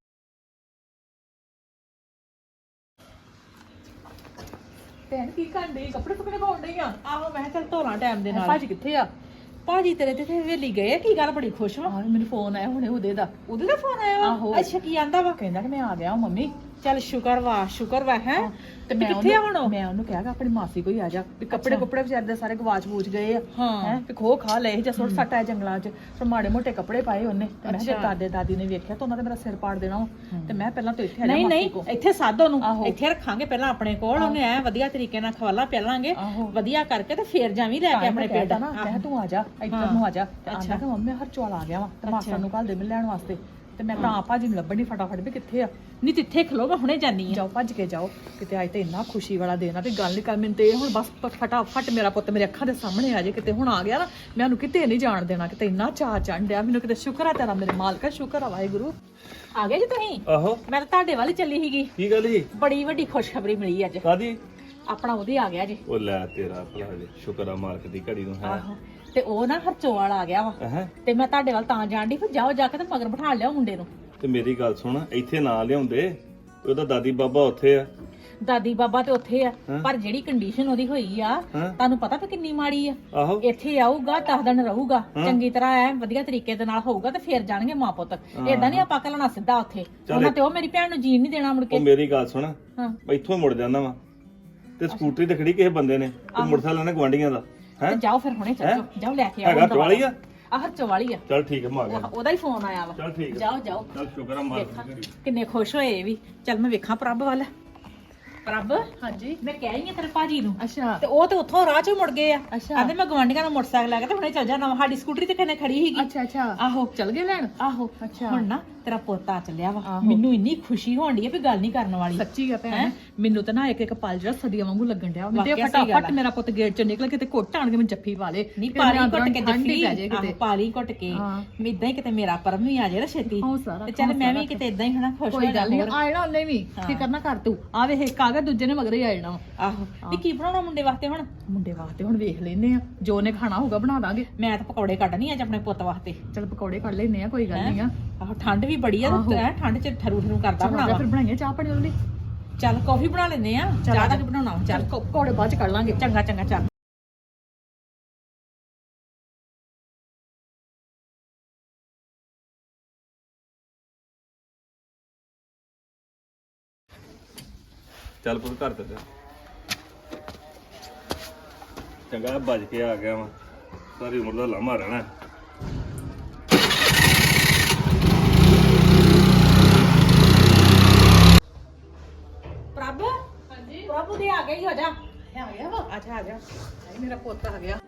Speaker 1: ਭੈਣ ਕੀ ਕਰਦੇ ਕੱਪੜੇ ਕੁਪੜੇ ਪਾਉਣ ਡਈ ਆ
Speaker 2: ਆਹੋ ਮੈਂ ਚੱਲ ਧੋਣਾ ਟਾਈਮ ਦੇ ਨਾਲ
Speaker 1: ਭਾਜੀ ਕਿੱਥੇ ਆ।
Speaker 2: ਭਾਜੀ ਤੇਰੇ ਤੇ ਹਵੇਲੀ ਗਏ ਕੀ ਗੱਲ ਬੜੀ ਖੁਸ਼ ਵਾ
Speaker 1: ਆਹ ਮੈਨੂੰ ਫੋਨ ਆਇਆ ਹੁਣੇ ਉਹਦੇ ਦਾ
Speaker 2: ਉਹਦੇ ਦਾ ਫੋਨ ਆਇਆ
Speaker 1: ਆਹੋ।
Speaker 2: ਅੱਛਾ ਕੀ ਆਂਦਾ ਵਾ
Speaker 1: ਕਹਿੰਦਾ ਕਿ ਮੈਂ ਆ ਗਿਆ ਮੰਮੀ
Speaker 2: ਚੱਲ ਸ਼ੁਕਰ ਵਾ ਸ਼ੁਕਰ ਵਾ ਹੈ
Speaker 1: ਤੇ
Speaker 2: ਮੈਂ ਕਿੱਥੇ ਆ ਹੁਣ ਉਹ?
Speaker 1: ਮੈਂ ਉਹਨੂੰ ਕਿਹਾ ਕਿ ਆਪਣੀ ਮਾਸੀ ਕੋਈ ਆ ਜਾ ਵੀ ਕੱਪੜੇ ਕੁਪੜੇ ਵਿਚਾਰੇ ਦੇ ਸਾਰੇ ਗਵਾਚ ਬੂਚ ਗਏ ਆ
Speaker 2: ਹਾਂ।
Speaker 1: ਹੈ ਤੇ ਖੋ ਖਾ ਲਏ ਜਾਂ ਸੁੱਟ ਸੱਟ ਆਏ ਜੰਗਲਾਂ 'ਚ ਫਿਰ ਮਾੜੇ ਮੋਟੇ ਕੱਪੜੇ ਪਾਏ ਉਹਨੇ ਤੇ ਮੈਂ ਕਿਹਾ
Speaker 2: ਅੱਛਾ।
Speaker 1: ਦਾਦੇ ਦਾਦੀ ਨੇ ਵੇਖਿਆ ਤਾਂ ਉਹਨਾਂ ਤੇ ਮੇਰਾ ਸਿਰ ਪਾੜ ਦੇਣਾ ਵਾ। ਤੇ ਮੈਂ ਪਹਿਲਾਂ ਤੋਂ ਇੱਥੇ ਆ ਜਾ
Speaker 2: ਨਹੀਂ
Speaker 1: ਮਾਸੀ
Speaker 2: ਨਹੀਂ
Speaker 1: ਕੋ
Speaker 2: ਇੱਥੇ ਸਾਧੋ ਨੂੰ
Speaker 1: ਆਹੋ।
Speaker 2: ਇੱਥੇ ਰੱਖਾਂਗੇ ਪਹਿਲਾਂ ਆਪਣੇ ਕੋਲ ਉਹਨੇ ਐ ਵਧੀਆ ਤਰੀਕੇ ਨਾਲ ਖਵਾਲਾ ਪਿਆਲਾਂਗੇ
Speaker 1: ਆਹੋ।
Speaker 2: ਵਧੀਆ ਕਰਕੇ ਤੇ ਫੇਰ ਜਾਵੀਂ ਲੈ ਕੇ ਆਪਣੇ ਪਿੰਡ
Speaker 1: ਨਾ ਮੈਂ ਕਿਹਾ ਤੂੰ ਆ ਜਾ ਇੱਧਰ ਨੂੰ ਆ ਜਾ ਤੇ ਆਂਦਾ
Speaker 2: ਅੱਛਾ।
Speaker 1: ਕਿ ਮੰਮੀ ਹਰ ਚੋਲ ਆ ਗਿਆ ਵਾ ਤੇ ਮਾਸਾ ਨੂੰ ਕੱਲ ਦੇ ਮਿਲ ਲੈਣ ਵਾਸਤੇ ਤੇ ਮੈਂ ਤਾਂ ਭਾਜੀ ਨੂੰ ਲੱਭਣੀ ਫਟਾਫਟ ਵੀ ਕਿੱਥੇ ਆ।
Speaker 2: ਨਹੀਂ ਤਿੱਥੇ ਖਲੋਗਾ ਹੁਣੇ ਜਾਨੀ ਆ
Speaker 1: ਜਾਓ ਭੱਜ ਕੇ ਜਾਓ ਕਿਤੇ ਅੱਜ ਤੇ ਇੰਨਾ ਖੁਸ਼ੀ ਵਾਲਾ ਦਿਨ ਆ ਵੀ ਗੱਲ ਨਹੀਂ ਕਰ ਮੈਨੂੰ ਤੇ ਇਹ ਹੁਣ ਬਸ ਪ- ਫਟਾਫਟ ਮੇਰਾ ਪੁੱਤ ਮੇਰੇ ਅੱਖਾਂ ਦੇ ਸਾਹਮਣੇ ਆ ਜੇ ਕਿਤੇ ਹੁਣ ਆ ਗਿਆ ਨਾ ਮੈਂ ਉਹਨੂੰ ਕਿਤੇ ਨਹੀਂ ਜਾਣ ਦੇਣਾ ਕਿਤੇ ਇੰਨਾ ਚਾਅ ਚੜ੍ਹ ਡਿਆ ਮੈਨੂੰ ਕਿਤੇ ਸ਼ੁਕਰ ਆ ਤੇਰਾ ਮੇਰੇ ਮਾਲਕਾ ਸ਼ੁਕਰ ਆ ਵਾਹਿਗੁਰੂ।
Speaker 2: ਆ ਗਏ ਜੀ ਤੁਸੀਂ
Speaker 4: ਆਹੋ
Speaker 2: ਮੈਂ ਤਾਂ ਤੁਹਾਡੇ ਵੱਲ ਹੀ ਚੱਲੀ ਸੀਗੀ
Speaker 4: ਕੀ ਗੱਲ ਜੀ
Speaker 2: ਬੜੀ ਵੱਡੀ ਖੁਸ਼ਖਬਰੀ ਮਿਲੀ ਅੱਜ
Speaker 4: ਕਾਦੀ
Speaker 2: ਆਪਣਾ ਉਹਦੇ ਆ ਗਿਆ ਜੀ
Speaker 4: ਉਹ ਲੈ ਤੇਰਾ ਭਲਾ ਜੀ ਸ਼ੁਕਰ ਆ ਮਾਲਕ ਦੀ ਘੜੀ ਨੂੰ ਹੈ
Speaker 2: ਆਹੋ ਤੇ ਉਹ ਨਾ ਹਰਚੋ ਵਾਲਾ ਆ ਗਿਆ ਵਾ
Speaker 4: ਹੈ
Speaker 2: ਤੇ ਮੈਂ ਤੁਹਾਡੇ ਵੱਲ ਤਾਂ ਜਾਣ ਦੀ ਫਿਰ ਜਾਓ ਜਾ ਕੇ ਤੇ ਮਗਰ ਬਿਠਾ ਲਿਆਓ ਮੁੰਡੇ ਨੂੰ।
Speaker 4: ਤੇ ਮੇਰੀ ਗੱਲ ਸੁਣ ਇੱਥੇ ਨਾ ਲਿਆਉਂਦੇ ਉਹਦਾ ਦਾਦੀ ਬਾਬਾ ਉੱਥੇ ਆ
Speaker 2: ਦਾਦੀ ਬਾਬਾ ਤੇ ਉੱਥੇ ਆ
Speaker 4: ਹਾਂ।
Speaker 2: ਪਰ ਜਿਹੜੀ ਕੰਡੀਸ਼ਨ ਉਹਦੀ ਹੋਈ ਆ
Speaker 4: ਹਾਂ।
Speaker 2: ਤੁਹਾਨੂੰ ਪਤਾ ਵੀ ਕਿੰਨੀ ਮਾੜੀ ਆ
Speaker 4: ਆਹੋ
Speaker 2: ਇੱਥੇ ਆਊਗਾ ਦਸ ਦਿਨ ਰਹੂਗਾ
Speaker 4: ਹਾਂ।
Speaker 2: ਚੰਗੀ ਤਰ੍ਹਾਂ ਐ ਵਧੀਆ ਤਰੀਕੇ ਦੇ ਨਾਲ ਹੋਊਗਾ ਤੇ ਫੇਰ ਜਾਣਗੇ ਮਾਂ ਪੁੱਤ ਏਦਾਂ ਨਹੀਂ ਆਪਾਂ ਘੱਲਣਾ ਸਿੱਧਾ ਉੱਥੇ
Speaker 4: ਚੱਲ
Speaker 2: ਉਹਨਾਂ ਤੇ ਉਹ ਮੇਰੀ ਭੈਣ ਨੂੰ ਜੀਣ ਨਹੀਂ ਦੇਣਾ ਮੁੜ
Speaker 4: ਉਹ
Speaker 2: ਕੇ।
Speaker 4: ਮੇਰੀ ਗੱਲ ਸੁਣ
Speaker 2: ਹਾਂ
Speaker 4: ਇੱਥੋਂ ਮੁੜ ਜਾਂਦਾ ਵਾ ਤੇ ਸਕੂਟਰੀ ਤੇ ਖੜੀ ਕਿਸੇ ਬੰਦੇ ਨੇ ਤੇ ਮੋਟਰਸਾਈਕਲ ਨੇ ਗਵਾਂਡੀਆਂ ਦਾ ਹੈ
Speaker 2: ਤੇ ਜਾਓ ਫਿਰ ਹੁਣੇ ਚੱਲ
Speaker 4: ਹੈਂ?
Speaker 2: ਜਾਓ ਜਾਓ ਲੈ ਕੇ ਆਓ
Speaker 4: ਹੈਗਾ ਟਵਾਲੀ ਆ
Speaker 2: ਆ ਹਰਚੋ ਵਾਲੀ ਆ
Speaker 4: ਚੱਲ ਠੀਕ ਹੈ ਮੈਂ ਆ ਗਿਆ
Speaker 2: ਉਹਦਾ ਹੀ ਫੋਨ ਆਇਆ ਵਾ
Speaker 4: ਚੱਲ ਠੀਕ ਹੈ
Speaker 2: ਜਾਓ ਜਾਓ
Speaker 4: ਚੱਲ ਸ਼ੁਕਰ ਆ ਮਾਲਕ ਦੀ ਘੜੀ
Speaker 2: ਕਿੰਨੇ ਖੁਸ਼ ਹੋਏ ਇਹ ਵੀ ਚੱਲ ਮੈਂ ਵੇਖਾਂ ਪ੍ਰਭ ਵੱਲ। ਪ੍ਰਭ
Speaker 1: ਹਾਂਜੀ
Speaker 2: ਮੈਂ ਕਹਿ ਰਹੀ ਆ ਤੇਰੇ ਭਾਜੀ ਨੂੰ
Speaker 1: ਅੱਛਾ
Speaker 2: ਤੇ ਉਹ ਤੇ ਉੱਥੋਂ ਰਾਹ ਚੋਂ ਮੁੜ ਗਏ ਆ
Speaker 1: ਅੱਛਾ।
Speaker 2: ਕਹਿੰਦੇ ਮੈਂ ਗਵਾਂਢੀਆਂ ਦਾ ਮੋਟਰਸਾਈਕਲ ਲੈ ਕੇ ਤੇ ਹੁਣੇ ਚੱਲ ਜਾਣਾ ਸਾਡੀ ਸਕੂਟਰੀ ਤੇ ਕਿੰਨੇ ਖੜੀ ਸੀਗੀ
Speaker 1: ਅੱਛਾ ਅੱਛਾ
Speaker 2: ਆਹੋ
Speaker 1: ਚਲ ਗਏ ਲੈਣ
Speaker 2: ਆਹੋ
Speaker 1: ਅੱਛਾ।
Speaker 2: ਹੁਣ ਨਾ ਤੇਰਾ ਪੋਤਾ ਚੱਲਿਆ ਵਾ ਮੈਨੂੰ ਇੰਨੀ ਖੁਸ਼ੀ ਹੋਣ ਡਈ ਆ ਵੀ ਗੱਲ ਨਹੀਂ ਕਰਨ ਵਾਲੀ
Speaker 1: ਸੱਚੀ ਆ ਭੈਣ ਮੈਨੂੰ ਤਾਂ ਨਾ ਇੱਕ ਇੱਕ ਪਲ ਜਿਹੜਾ ਸਦੀਆਂ ਵਾਂਗੂ ਲੱਗਣ ਡਿਆ ਮੈਂ ਤੇ
Speaker 2: ਵਾਕਿਆ ਸਹੀ ਗੱਲ
Speaker 1: ਫਟਾਫਟ ਮੇਰਾ ਪੁੱਤ ਗੇਟ ਚੋਂ ਨਿਕਲ ਕੇ ਤੇ ਘੁੱਟ ਆਣ ਕੇ ਮੈਨੂੰ ਜੱਫੀ ਪਾ ਲੇ
Speaker 2: ਨਹੀਂ ਪਾਲੀ ਘੁੱਟ ਕੇ ਜੱਫੀ ਆਹੋ ਪਾਲੀ ਘੁੱਟ ਕੇ ਇਦਾਂ ਹੀ ਕਿਤੇ ਮੇਰਾ ਪਰਮ ਵੀ ਆ ਜਾਏ ਨਾ ਛੇਤੀ ਤੇ ਚੱਲ ਮੈਂ ਵੀ ਕਿਤੇ ਇਦਾਂ ਹੀ ਹਨਾ ਖੁਸ਼ ਹੋ
Speaker 1: ਕੋਈ ਗੱਲ ਨਹੀਂ ਆਇਣਾ ਉਹਨੇ ਵੀ ਫਿਕਰ ਨਾ ਕਰ ਤੂੰ ਆ ਵੇ ਇੱਕ ਆ ਗਿਆ ਦੂਜੇ ਨੇ ਮਗਰ ਹੀ ਆ ਜਾਣਾ
Speaker 2: ਆਹੋ ਵੀ ਕੀ ਬਣਾਉਣਾ ਮੁੰਡੇ ਵਾਸਤੇ ਹੁਣ
Speaker 1: ਮੁੰਡੇ ਵਾਸਤੇ ਹੁਣ ਵੇਖ ਲੈਨੇ ਆ ਜੋ ਨੇ ਖਾਣਾ ਹੋਊਗਾ ਬਣਾ ਦਾਂਗੇ
Speaker 2: ਮੈਂ ਤਾਂ ਪਕੌੜੇ ਕੱਢਣੀ ਅੱਜ ਆਪਣੇ ਪੁੱਤ ਵਾਸਤੇ
Speaker 1: ਚਲ ਪਕੌੜੇ ਕੱਢ ਲੈਨੇ ਆ ਕੋਈ ਗੱਲ ਨਹੀਂ ਆ
Speaker 2: ਆਹੋ ਠੰਡ ਵੀ ਬੜੀ ਆ ਤੇ ਠੰਡ ਚ ਠਰੂ ਠਰੂ ਕਰਦਾ ਬਣਾਵਾ
Speaker 1: ਫਿਰ ਬਣਾਈਏ ਚਾਹ ਪਾਣੀ ਉਹਦੇ ਲਈ
Speaker 2: ਚੱਲ ਕਾਫੀ ਬਣਾ ਲੈਨੇ ਆ ਚਾਹ ਦਾ ਕੀ ਬਣਾਉਣਾ ਚੱਲ
Speaker 1: ਪਕੌੜੇ ਬਾਅਦ ਚ ਕੱਢ ਲਾਂਗੇ
Speaker 2: ਚੰਗਾ ਚੰਗਾ ਚੱਲ
Speaker 4: ਚੱਲ ਪੁੱਤ ਘਰ ਤੇ ਜਾ। ਚੰਗਾ ਭੱਜ ਕੇ ਆ ਗਿਆ ਵਾ ਸਾਰੀ ਉਮਰ ਦਾ ਲਾਮਾ ਰਹਿਣਾ।
Speaker 2: ਪ੍ਰਭ ਹਾਂਜੀ ਪ੍ਰਭੂ ਦੇ ਆ ਗਈ ਹੋ ਜਾ
Speaker 1: ਆ ਗਿਆ ਵਾ
Speaker 2: ਅੱਛਾ ਆ ਜਾ
Speaker 1: ਮੇਰਾ ਪੁੱਤ ਆ ਗਿਆ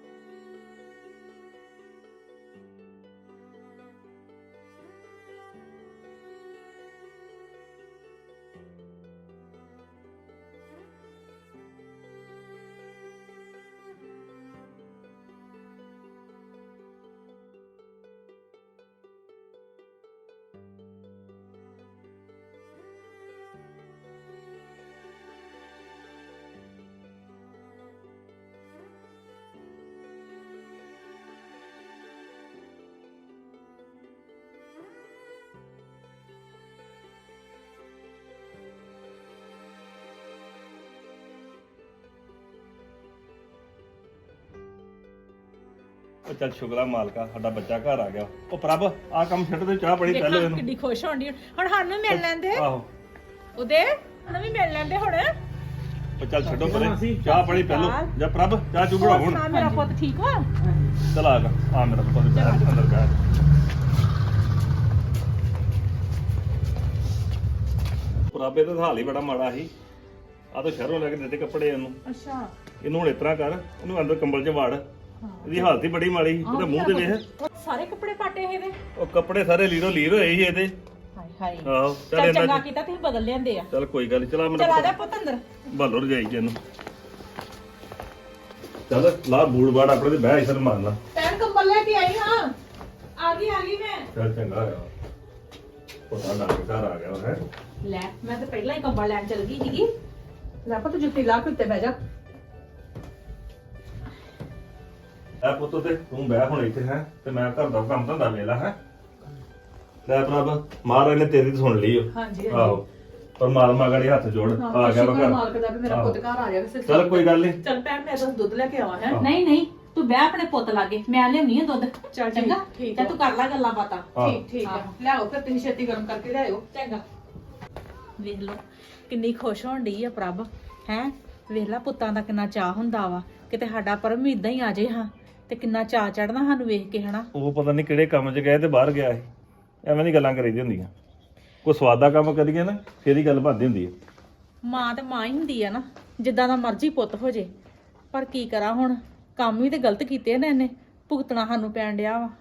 Speaker 4: ਉਹ ਚੱਲ ਸ਼ੁਕਰਾ ਮਾਲਕਾ ਸਾਡਾ ਬੱਚਾ ਘਰ ਆ ਗਿਆ। ਉਹ ਪ੍ਰਭ ਆ ਕੰਮ ਛੱਡ ਦੇ ਚਾਹ ਬੜੀ ਪਹਿਲੇ ਇਹਨੂੰ।
Speaker 2: ਕਿੰਨੀ ਖੁਸ਼ ਹੋਣੀ ਹੁਣ ਸਾਨੂੰ ਮਿਲ ਲੈਂਦੇ
Speaker 4: ਆਹੋ
Speaker 2: ਉਹਦੇ ਹੁਣ ਵੀ ਮਿਲ ਲੈਂਦੇ ਹੁਣ
Speaker 4: ਉਹ ਚੱਲ ਛੱਡੋ ਪਰੇ ਚਾਹ ਬੜੀ ਪਹਿਲੋ ਜਾਂ ਪ੍ਰਭ ਚਾਹ ਚੂ ਬਣਾ ਹੁਣ।
Speaker 2: ਮੇਰਾ ਪੁੱਤ ਠੀਕ ਵਾ
Speaker 4: ਚਲ ਆ ਗਾ ਆ ਮੇਰਾ ਪੁੱਤ ਬੈਠ ਅੰਦਰ ਬੈਠ। ਪ੍ਰਭੇ ਤਾਂ ਹਾਲ ਹੀ ਬੜਾ ਮਾੜਾ ਸੀ ਆ ਤਾਂ ਸ਼ਹਿਰੋਂ ਲੈ ਕੇ ਦਿੱਤੇ ਕੱਪੜੇ ਇਹਨੂੰ।
Speaker 2: ਅੱਛਾ
Speaker 4: ਇਹਨੂੰ ਹੁਣ ਇਸ ਤਰ੍ਹਾਂ ਕਰ ਇਹਨੂੰ ਅੰਦਰ ਕੰਬਲ 'ਚ ਵਾੜ। ਇਹਦੀ ਹਾਲਤ ਹੀ ਬੜੀ ਮਾੜੀ ਸੀ ਉਹਦੇ ਮੂੰਹ ਤੇ ਵੇਖ
Speaker 2: ਸਾਰੇ ਕੱਪੜੇ ਪਾਟੇ ਇਹਦੇ
Speaker 4: ਉਹ ਕੱਪੜੇ ਸਾਰੇ ਲੀਰੋ ਲੀਰ ਹੋਏ ਸੀ ਇਹਦੇ।
Speaker 2: ਹਾਏ ਹਾਏ
Speaker 4: ਆਹੋ ਚੱਲ
Speaker 2: ਚੱਲ ਚੰਗਾ
Speaker 4: ਇਹਨਾਂ
Speaker 2: ਕੀਤਾ ਤੁਸੀਂ ਬਦਲ ਲਿਆਂਦੇ ਆ
Speaker 4: ਚੱਲ ਕੋਈ ਗੱਲ ਨੀ ਚਲਾ ਮੇਰਾ
Speaker 2: ਚਲਾ ਜਾ ਪੁੱਤ ਅੰਦਰ
Speaker 4: ਭਾਲੋ ਰਜਾਈ ਚ ਇਹਨੂੰ। ਚੱਲ ਲਾ ਬੂੜ ਬਾੜ ਆਪਣੇ ਤੇ ਬਹਿ ਇਸਰ ਮਾਰ ਲਾ।
Speaker 1: ਪੈਣ ਕੰਬਲ ਲੈ ਕੇ ਆਈ ਹਾਂ
Speaker 2: ਆ ਗਈ ਆ ਗਈ ਮੈਂ
Speaker 4: ਚੱਲ ਚੰਗਾ ਹੋਇਆ ਪਤਾ ਲੱਗ ਘਰ ਆ ਗਿਆ ਹੈ।
Speaker 2: ਲੈ ਮੈਂ ਤਾਂ ਪਹਿਲਾਂ ਹੀ ਕੰਬਲ ਲੈਣ ਚਲ ਗਈ ਸੀਗੀ
Speaker 1: ਲੈ ਪੁੱਤ ਜੁੱਤੀ ਲਾ ਕੇ ਉੱਤੇ ਬਹਿ ਜਾ
Speaker 4: ਐ ਪੁੱਤ ਤੇ ਤੂੰ ਬਹਿ ਹੁਣ ਇੱਥੇ ਹੈ ਤੇ ਮੈਂ ਘਰ ਦਾ ਕੰਮ ਧੰਦਾ ਵੇਲਾ ਹੈ। ਲੈ ਪ੍ਰਭ ਮਹਾਰਾਜ ਨੇ ਤੇਰੀ ਸੁਣ ਲਈ ਓ।
Speaker 1: ਹਾਂਜੀ
Speaker 4: ਆਹੋ ਪਰਮਾਤਮਾ ਗੜੀ ਹੱਥ ਜੋੜ ਆ ਗਿਆ ਵਾ ਘਰ।
Speaker 1: ਮਾਲਕ ਦਾ ਵੀ ਮੇਰਾ ਪੁੱਤ ਘਰ ਆ ਗਿਆ ਕਿਸੇ
Speaker 4: ਚੱਲ ਕੋਈ ਗੱਲ ਨਹੀਂ।
Speaker 1: ਚੱਲ ਭੈਣ ਮੈਂ ਤਾਂ ਦੁੱਧ ਲੈ ਕੇ ਆਵਾਂ ਹੈ
Speaker 2: ਨਹੀਂ ਨਹੀਂ ਤੂੰ ਬਹਿ ਆਪਣੇ ਪੁੱਤ ਲਾਗੇ ਮੈਂ ਲਿਆਉਣੀ ਆ ਦੁੱਧ
Speaker 1: ਚੱਲ
Speaker 2: ਚੰਗਾ
Speaker 1: ਠੀਕ
Speaker 2: ਤੇ ਤੂੰ ਕਰ ਲੈ ਗੱਲਾਂ ਬਾਤਾਂ
Speaker 1: ਠੀਕ ਠੀਕ ਆ ਲਿਆਓ ਫਿਰ ਤੁਸੀਂ ਛੇਤੀ ਗਰਮ ਕਰਕੇ ਲਿਆਓ
Speaker 2: ਚੰਗਾ ਵੇਖ ਲਓ ਕਿੰਨੀ ਖੁਸ਼ ਹੋਣ ਡਈ ਆ ਪ੍ਰਭ ਹੈ ਵੇਖ ਲੈ ਪੁੱਤਾਂ ਦਾ ਕਿੰਨਾ ਚਾਹ ਹੁੰਦਾ ਵਾ ਕਿਤੇ ਸਾਡਾ ਪਰਮ ਵੀ ਇਦਾਂ ਹੀ ਆ ਜੇ ਹਾਂ ਤੇ ਕਿੰਨਾ ਚਾਹ ਚੜਨਾ ਸਾਨੂੰ ਵੇਖ ਕੇ ਹਨਾ
Speaker 4: ਉਹ ਪਤਾ ਨਹੀਂ ਕਿਹੜੇ ਕੰਮ 'ਚ ਗਏ ਤੇ ਬਾਹਰ ਗਿਆ ਸੀ ਐਵੇਂ ਦੀ ਗੱਲਾਂ ਕਰੀਦੀ ਹੁੰਦੀਆਂ। ਕੋਈ ਸਵਾਦ ਦਾ ਕੰਮ ਕਰੀਏ ਨਾ ਫੇਰ ਹੀ ਗੱਲ ਬਣਦੀ ਹੁੰਦੀ ਹੈ।
Speaker 2: ਮਾਂ ਤੇ ਮਾਂ ਹੀ ਹੁੰਦੀ ਆ ਨਾ ਜਿੱਦਾਂ ਦਾ ਮਰਜ਼ੀ ਪੁੱਤ ਹੋ ਜੇ ਪਰ ਕੀ ਕਰਾਂ ਹੁਣ ਕੰਮ ਵੀ ਤੇ ਗਲਤ ਕੀਤੇ ਨੇ ਇਹਨੇ ਭੁਗਤਣਾ ਸਾਨੂੰ ਪੈਣ ਡਿਆ ਵਾ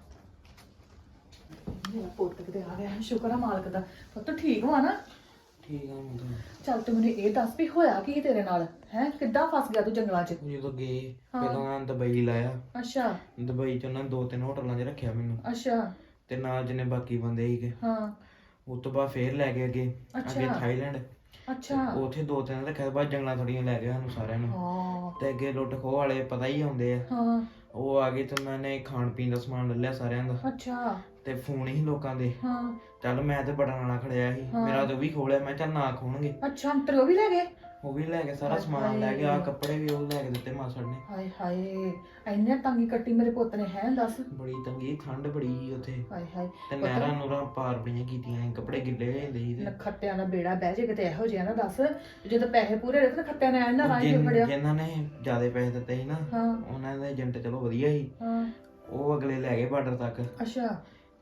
Speaker 1: ਮੇਰਾ ਪੁੱਤ ਕਿਤੇ ਆ ਗਿਆ ਸ਼ੁਕਰ ਆ ਮਾਲਕ ਦਾ ਪੁੱਤ ਠੀਕ ਹੋਆ ਨਾ
Speaker 5: ਠੀਕ ਆ ਮੈਂ
Speaker 1: ਚੱਲ ਤੂੰ ਮੈਨੂੰ ਇਹ ਦੱਸ ਵੀ ਹੋਇਆ ਕੀ ਤੇਰੇ ਨਾਲ ਹੈ ਕਿੱਦਾਂ ਫਸ ਗਿਆ ਤੂੰ ਜੰਗਲਾਂ 'ਚ
Speaker 5: ਜਦੋਂ ਗਏ ਪਹਿਲਾਂ ਦੁਬਈ ਲਾਇਆ
Speaker 1: ਅੱਛਾ
Speaker 5: ਦੁਬਈ ਚ ਉਹਨਾਂ ਦੋ ਤਿੰਨ ਹੋਟਲਾਂ 'ਚ ਰੱਖਿਆ ਮੈਨੂੰ
Speaker 1: ਅੱਛਾ
Speaker 5: ਤੇ ਨਾਲ ਜਿਹਨੇ ਬਾਕੀ ਬੰਦੇ ਸੀਗੇ
Speaker 1: ਹਾਂ
Speaker 5: ਉਸ ਤੋਂ ਬਾਅਦ ਫੇਰ ਲੈ ਗਏ ਅੱਗੇ ਅੱਗੇ
Speaker 1: ਅੱਛਾ।
Speaker 5: ਥਾਈਲੈਂਡ
Speaker 1: ਅੱਛਾ
Speaker 5: ਉੱਥੇ ਦੋ ਤਿੰਨ ਰੱਖਿਆ ਬਾਅਦ ਜੰਗਲਾਂ ਥੋੜੀਆਂ ਲੈ ਗਏ ਸਾਨੂੰ ਸਾਰਿਆਂ ਨੂੰ
Speaker 1: ਹਾਂ
Speaker 5: ਤੇ ਅੱਗੇ ਲੁੱਟ ਖੋਹ ਵਾਲੇ ਪਤਾ ਹੀ ਆਉਂਦੇ ਆ
Speaker 1: ਹਾਂ
Speaker 5: ਉਹ ਆ ਗਏ ਤੇ ਉਹਨਾਂ ਨੇ ਖਾਣ ਪੀਣ ਦਾ ਸਮਾਨ ਲੈ ਲਿਆ ਸਾਰਿਆਂ ਦਾ
Speaker 1: ਅੱਛਾ
Speaker 5: ਤੇ ਫੋਨ ਹੀ ਲੋਕਾਂ ਦੇ
Speaker 1: ਹਾਂ
Speaker 5: ਚੱਲ ਮੈਂ ਤੇ ਬਟਨ ਵਾਲਾ ਖੜਿਆ ਸੀ
Speaker 1: ਹਾਂ।
Speaker 5: ਮੇਰਾ ਤੇ ਉਹ ਵੀ ਖੋਲਿਆ ਮੈਂ ਚੱਲ ਨਾ ਖੋਣਗੇ
Speaker 1: ਅੱਛਾ ਅੰਤਰ ਉਹ ਵੀ ਲੈ ਗਏ
Speaker 5: ਉਹ ਵੀ ਲੈ ਕੇ ਸਾਰਾ ਸਮਾਨ ਲੈ ਕੇ ਆ ਕੱਪੜੇ ਵੀ ਉਹ ਲੈ ਕੇ ਦਿੱਤੇ ਮਾਸੜ ਨੇ।
Speaker 1: ਹਾਏ ਹਾਏ ਇੰਨੇ ਤੰਗੀ ਕੱਟੀ ਮੇਰੇ ਪੁੱਤ ਨੇ ਹੈ ਦੱਸ
Speaker 5: ਬੜੀ ਤੰਗੀ ਠੰਡ ਬੜੀ ਸੀ ਉੱਥੇ
Speaker 1: ਹਾਏ ਹਾਏ
Speaker 5: ਤੇ ਨਹਿਰਾਂ ਨੂਰਾਂ ਪਾਰ ਬੜੀਆਂ ਕੀਤੀਆਂ ਸੀ, ਕੱਪੜੇ ਗਿੱਲੇ ਹੋ ਜਾਂਦੇ ਸੀ ਤੇ
Speaker 1: ਖੱਤਿਆਂ ਦਾ ਬੇੜਾ ਬਹਿ ਜੇ ਕਿਤੇ ਇਹੋ ਜਿਹਾ ਨਾ ਦੱਸ ਜਦੋਂ ਪੈਸੇ ਪੂਰੇ ਰਹੇ ਤਾਂ ਖੱਤਿਆਂ ਨੇ ਇਹਨਾਂ ਰਾਈ ਕਿਉਂ ਫੜਿਆ
Speaker 5: ਜਿਨ- ਜਿਨ੍ਹਾਂ ਨੇ ਜ਼ਿਆਦਾ ਪੈਸੇ ਦਿੱਤੇ ਸੀ ਨਾ
Speaker 1: ਹਾਂ
Speaker 5: ਉਹਨਾਂ ਦੇ ਏਜੰਟ ਚਲੋ ਵਧੀਆ ਸੀ
Speaker 1: ਹਾਂ
Speaker 5: ਉਹ ਅਗਲੇ ਲੈ ਗਏ ਬਾਰਡਰ ਤੱਕ
Speaker 1: ਅੱਛਾ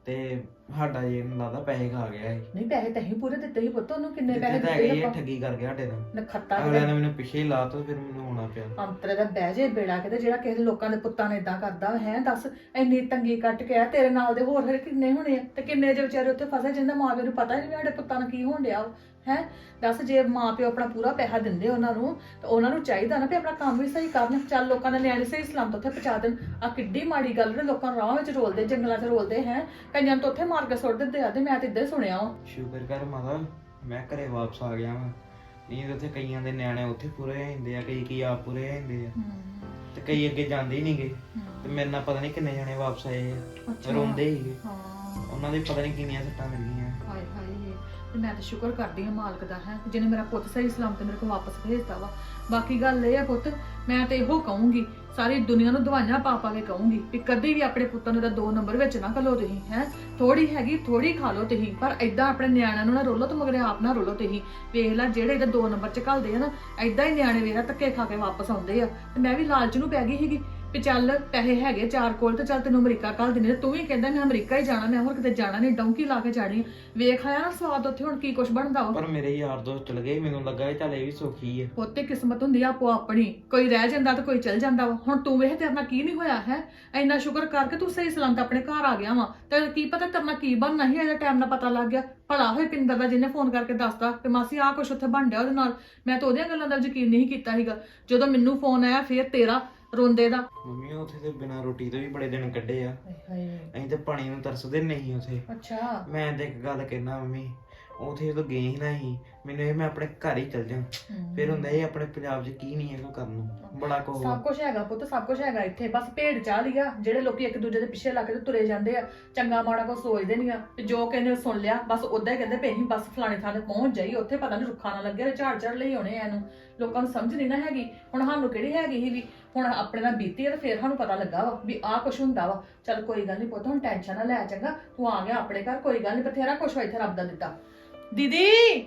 Speaker 5: ਤੇ ਸਾਡਾ ਜੇ ਮੈਨੂੰ ਲੱਗਦਾ ਪੈਸੇ ਖਾ ਗਿਆ ਸੀ
Speaker 1: ਨਹੀਂ ਪੈਸੇ ਤਾਂ ਹੀ ਪੂਰੇ ਦਿੱਤੇ ਸੀ ਪੁੱਤ, ਉਹਨੂੰ ਕਿੰਨੇ
Speaker 5: ਜਿੱਥੇ
Speaker 1: ਪੈਸੇ
Speaker 5: ਤਾਂ ਹੈਗੇ
Speaker 1: ਦਿੱਤੇ
Speaker 5: ਇਹ
Speaker 1: ਆਪਾਂ
Speaker 5: ਠੱਗੀ ਕਰ ਗਿਆ ਸਾਡੇ ਨਾਲ
Speaker 1: ਨਖੱਤਾ
Speaker 5: ਅਗਲਿਆਂ ਨੇ ਮੈਨੂੰ ਪਿੱਛੇ ਹੀ ਲਾਤਾ ਫਿਰ ਮੈਨੂੰ ਆਉਣਾ ਪਿਆ
Speaker 1: ਅੰਤਰੇ ਦਾ ਬਹਿ ਜੇ ਬੇੜਾ ਕਿਤੇ ਜਿਹੜਾ ਕਿਸੇ ਲੋਕਾਂ ਦੇ ਪੁੱਤਾਂ ਨੇ ਇਦਾਂ ਕਰਦਾ ਹੈ। ਦੱਸ ਇੰਨੀ ਤੰਗੀ ਕੱਟ ਕੇ ਆ ਤੇਰੇ ਨਾਲ ਦੇ ਹੋਰ ਫਿਰ ਕਿੰਨੇ ਹੋਣੇ ਆ ਤੇ ਕਿੰਨੇ ਜੇ ਵਿਚਾਰੇ ਉੱਥੇ ਫਸੇ ਜਿੰਦਾ ਮਾਂ ਪਿਓ ਨੂੰ ਪਤਾ ਹੀ ਨਹੀਂ ਵੀ ਸਾਡੇ ਪੁੱਤਾਂ ਨੂੰ ਕੀ ਹੋਣ ਡਿਆ ਹੈ। ਦੱਸ ਜੇ ਮਾਂ ਪਿਓ ਆਪਣਾ ਪੂਰਾ ਪੈਸਾ ਦਿੰਦੇ ਉਹਨਾਂ ਨੂੰ ਤਾਂ ਉਹਨਾਂ ਨੂੰ ਚਾਹੀਦਾ ਨਾ ਵੀ ਆਪਣਾ ਕੰਮ ਵੀ ਸਹੀ ਕਰਨ, ਚੱਲ ਲੋਕਾਂ ਦੇ ਨਿਆਣੇ ਸਹੀ ਸਲਾਮਤ ਉੱਥੇ ਪਹੁੰਚਾ ਦੇਣ। ਆ ਕਿੱਡੀ ਮਾੜੀ ਗੱਲ ਨੇ, ਲੋਕਾਂ ਨੂੰ ਰਾਹ ਵਿੱਚ ਰੋਲਦੇ ਜੰਗਲਾਂ 'ਚ ਰੋਲਦੇ ਹੈ, ਕਈਆਂ ਨੂੰ ਤਾਂ ਉੱਥੇ ਮਾਰ ਕੇ ਸੁੱਟ ਦਿੰਦੇ ਆ। ਤੇ ਮੈਂ ਤਾਂ ਇੱਦਾਂ ਹੀ ਸੁਣਿਆ ਵਾ।
Speaker 5: ਸ਼ੁਕਰ ਕਰ ਮਾਤਾ ਮੈਂ ਘਰੇ ਵਾਪਸ ਆ ਗਿਆ ਵਾਂ, ਨਹੀਂ ਤਾਂ ਉੱਥੇ ਕਈਆਂ ਦੇ ਨਿਆਣੇ ਉੱਥੇ ਪੂਰੇ ਹੋ ਜਾਂਦੇ ਆ, ਕਈ ਕਈ ਆਪ ਪੂਰੇ ਹੋ ਜਾਂਦੇ ਆ ਤੇ ਕਈ ਅੱਗੇ ਜਾਂਦੇ ਹੀ ਨਹੀਂਗੇ। ਤੇ ਮੇਰੇ ਨਾਲ ਪਤਾ ਨਹੀਂ ਕਿੰਨੇ ਜਣੇ ਵਾਪਸ ਆਏ ਆ, ਰੋਂਦੇ ਸੀਗੇ,
Speaker 1: ਹਾਂ
Speaker 5: ਉਹਨਾਂ ਦੇ ਪਤਾ ਨਹੀਂ ਕਿੰਨੀਆਂ ਸੱਟਾਂ ਲੱਗੀਆਂ।
Speaker 1: ਹਾਏ ਹਾਏ ਤੇ ਮੈਂ ਤਾਂ ਸ਼ੁਕਰ ਕਰਦੀ ਹਾਂ ਮਾਲਕ ਦਾ ਹੈ ਜਿਹਨੇ ਮੇਰਾ ਪੁੱਤ ਸਹੀ ਸਲਾਮਤ ਮੇਰੇ ਕੋਲ ਵਾਪਸ ਭੇਜਤਾ ਵਾ। ਬਾਕੀ ਗੱਲ ਇਹ ਆ ਪੁੱਤ, ਮੈਂ ਤੇ ਇਹੋ ਕਹੂੰਗੀ ਸਾਰੀ ਦੁਨੀਆ ਨੂੰ ਦਵਾਈਆਂ ਪਾ ਪਾ ਕੇ ਕਹੂੰਗੀ ਵੀ ਕਦੇ ਵੀ ਆਪਣੇ ਪੁੱਤਾਂ ਨੂੰ ਤਾਂ ਦੋ ਨੰਬਰ ਵਿੱਚ ਨਾ ਘੱਲੋ ਤੁਸੀਂ ਹੈ। ਥੋੜੀ ਹੈਗੀ ਥੋੜੀ ਖਾ ਲਓ ਤੁਸੀਂ, ਪਰ ਏਦਾਂ ਆਪਣੇ ਨਿਆਣਿਆਂ ਨੂੰ ਨਾ ਰੋਲੋ ਤੇ ਮਗਰੇ ਆਪ ਨਾ ਰੋਲੋ ਤੁਸੀਂ। ਵੇਖ ਲੈ ਜਿਹੜੇ ਇਹਦਾ ਦੋ ਨੰਬਰ ਚ ਘੱਲਦੇ ਆ ਨਾ, ਏਦਾਂ ਹੀ ਨਿਆਣੇ ਵੇਖ ਧੱਕੇ ਖਾ ਕੇ ਵਾਪਸ ਆਉਂਦੇ ਆ। ਤੇ ਮੈਂ ਵੀ ਲਾਲਚ ਨੂੰ ਪੈ ਗਈ ਸੀਗੀ ਵੀ ਚੱਲ ਪੈਸੇ ਹੈਗੇ ਚਾਰ ਕੋਲ ਤੇ ਚੱਲ ਤੈਨੂੰ ਅਮਰੀਕਾ ਘੱਲ ਦਿੰਦੇ, ਤੂੰ ਵੀ ਕਹਿੰਦਾ ਮੈਂ ਅਮਰੀਕਾ ਹੀ ਜਾਣਾ, ਮੈਂ ਹੋਰ ਕਿਤੇ ਜਾਣਾ ਨਹੀਂ, ਡੌਂਕੀ ਲਾ ਕੇ ਜਾਣੀ। ਵੇਖ ਆਇਆ ਨਾ ਸਵਾਦ ਉੱਥੇ ਹੁਣ ਕੀ ਕੁਛ ਬਣਦਾ ਵਾ।
Speaker 5: ਪਰ ਮੇਰੇ ਯਾਰ ਦੋਸਤ ਚਲ ਗਏ, ਮੈਨੂੰ ਲੱਗਾ ਇਹ ਚੱਲ ਇਹ ਵੀ ਸੌਖੀ ਆ।
Speaker 1: ਪੁੱਤੇ ਕਿਸਮਤ ਹੁੰਦੀ ਆ ਆਪੋ ਆਪਣੀ, ਕੋਈ ਰਹਿ ਜਾਂਦਾ ਤੇ ਕੋਈ ਚਲ ਜਾਂਦਾ ਵਾ। ਹੁਣ ਤੂੰ ਵੇਖ ਤੇਰੇ ਨਾਲ ਕੀ ਨਹੀਂ ਹੋਇਆ ਹੈ, ਇੰਨਾ ਸ਼ੁਕਰ ਕਰਕੇ ਤੂੰ ਸਹੀ ਸਲਾਮਤ ਆਪਣੇ ਘਰ ਆ ਗਿਆ ਵਾ। ਤੇ ਕੀ ਪਤਾ ਤੇਰੇ ਨਾਲ ਕੀ ਬਣਨਾ ਸੀ, ਇਹਦਾ ਟਾਈਮ ਨਾਲ ਪਤਾ ਲੱਗ ਗਿਆ। ਭਲਾ ਹੋਏ ਪਿੰਦਰ ਦਾ ਜਿਹਨੇ ਫੋਨ ਕਰਕੇ ਦੱਸਦਾ ਕਿ ਮਾਸੀ ਆਹ ਕੁਛ ਉੱਥੇ ਬਣ ਡਿਆ ਉਹਦੇ ਨਾਲ। ਮੈਂ ਤਾਂ ਉਹਦੀਆਂ ਗੱਲਾਂ ਦਾ ਯਕੀਨ ਨਹੀਂ ਕੀਤਾ ਸੀਗਾ। ਜਦੋਂ ਮੈਨੂੰ ਫੋਨ ਆਇਆ ਫੇਰ ਤੇਰਾ ਰੋਂਦੇ ਦਾ।
Speaker 5: ਮੰਮੀ ਉੱਥੇ ਤੇ ਬਿਨਾਂ ਰੋਟੀ ਤੋਂ ਵੀ ਬੜੇ ਦਿਨ ਕੱਢੇ ਆ,
Speaker 1: ਹਾਏ
Speaker 5: ਅਸੀਂ ਤੇ ਪਾਣੀ ਨੂੰ ਤਰਸਦੇ ਨਹੀਂ ਉੱਥੇ।
Speaker 1: ਅੱਛਾ
Speaker 5: ਮੈਂ ਤੇ ਇੱਕ ਗੱਲ ਕਹਿਣਾ ਮੰਮੀ, ਉੱਥੇ ਜਦੋਂ ਗਏ ਹੀ ਨਾ ਸੀ ਮੈਨੂੰ ਇਹ ਮੈਂ ਆਪਣੇ ਘਰ ਹੀ ਚੱਲ ਜਾਂ, ਫਿਰ ਹੁੰਦਾ ਇਹ ਆਪਣੇ ਪੰਜਾਬ 'ਚ ਕੀ ਨਹੀਂ ਹੈ ਕੋਈ ਕਰਨ ਨੂੰ, ਬੜਾ ਕੁਝ।
Speaker 1: ਸਭ ਕੁਝ ਹੈਗਾ ਪੁੱਤ, ਸਭ ਕੁਝ ਹੈਗਾ ਇੱਥੇ, ਬਸ ਭੇਡ ਚਾਹ ਲਿਆ। ਜਿਹੜੇ ਲੋਕੀ ਇੱਕ ਦੂਜੇ ਦੇ ਪਿੱਛੇ ਲੱਗ ਕੇ ਤੇ ਤੁਰੇ ਜਾਂਦੇ ਆ, ਚੰਗਾ ਮਾੜਾ ਕੁਝ ਸੋਚਦੇ ਨਹੀਂ ਆ। ਤੇ ਜੋ ਕਹਿੰਦੇ ਸੁਣ ਲਿਆ ਬਸ ਉਦਾਂ ਹੀ ਕਹਿੰਦੇ ਪਏ ਅਸੀਂ ਬਸ ਫਲਾਣੇ ਥਾਂ ਤੇ ਪਹੁੰਚ ਜਾਈ, ਉੱਥੇ ਪਤਾ ਨਹੀਂ ਰੁੱਖਾ ਨਾ ਲੱਗਿਆ ਤੇ ਝਾੜ ਝਾੜ ਲਈ ਆਉਣੇ ਆ। ਇਹਨੂੰ ਲੋਕਾਂ ਨੂੰ ਸਮਝ ਨਹੀਂ ਨਾ ਹੈਗੀ। ਹੁਣ ਸਾਨੂੰ ਕਿਹੜੀ ਹੈਗੀ ਸੀ ਵੀ ਹੁਣ ਆਪਣੇ ਨਾਲ ਬੀਤੀ ਆ ਤੇ ਫੇਰ ਸਾਨੂੰ ਪਤਾ ਲੱਗਾ ਵਾ ਵੀ ਆਹ ਕੁਛ ਹੁੰਦਾ ਵਾ। ਚੱਲ ਕੋਈ ਗੱਲ ਨਹੀਂ ਪੁੱਤ, ਹੁਣ ਟੈਨਸ਼ਨ ਨਾ ਲੈ, ਚੰਗਾ ਤੂੰ ਆ ਗਿਆ ਆਪਣੇ ਘਰ, ਕੋਈ ਗੱਲ ਨਹੀਂ, ਬਥੇਰਾ ਕੁਛ ਇੱਥੇ ਰੱਬ ਦਾ ਦਿੱਤਾ। ਦੀਦੀ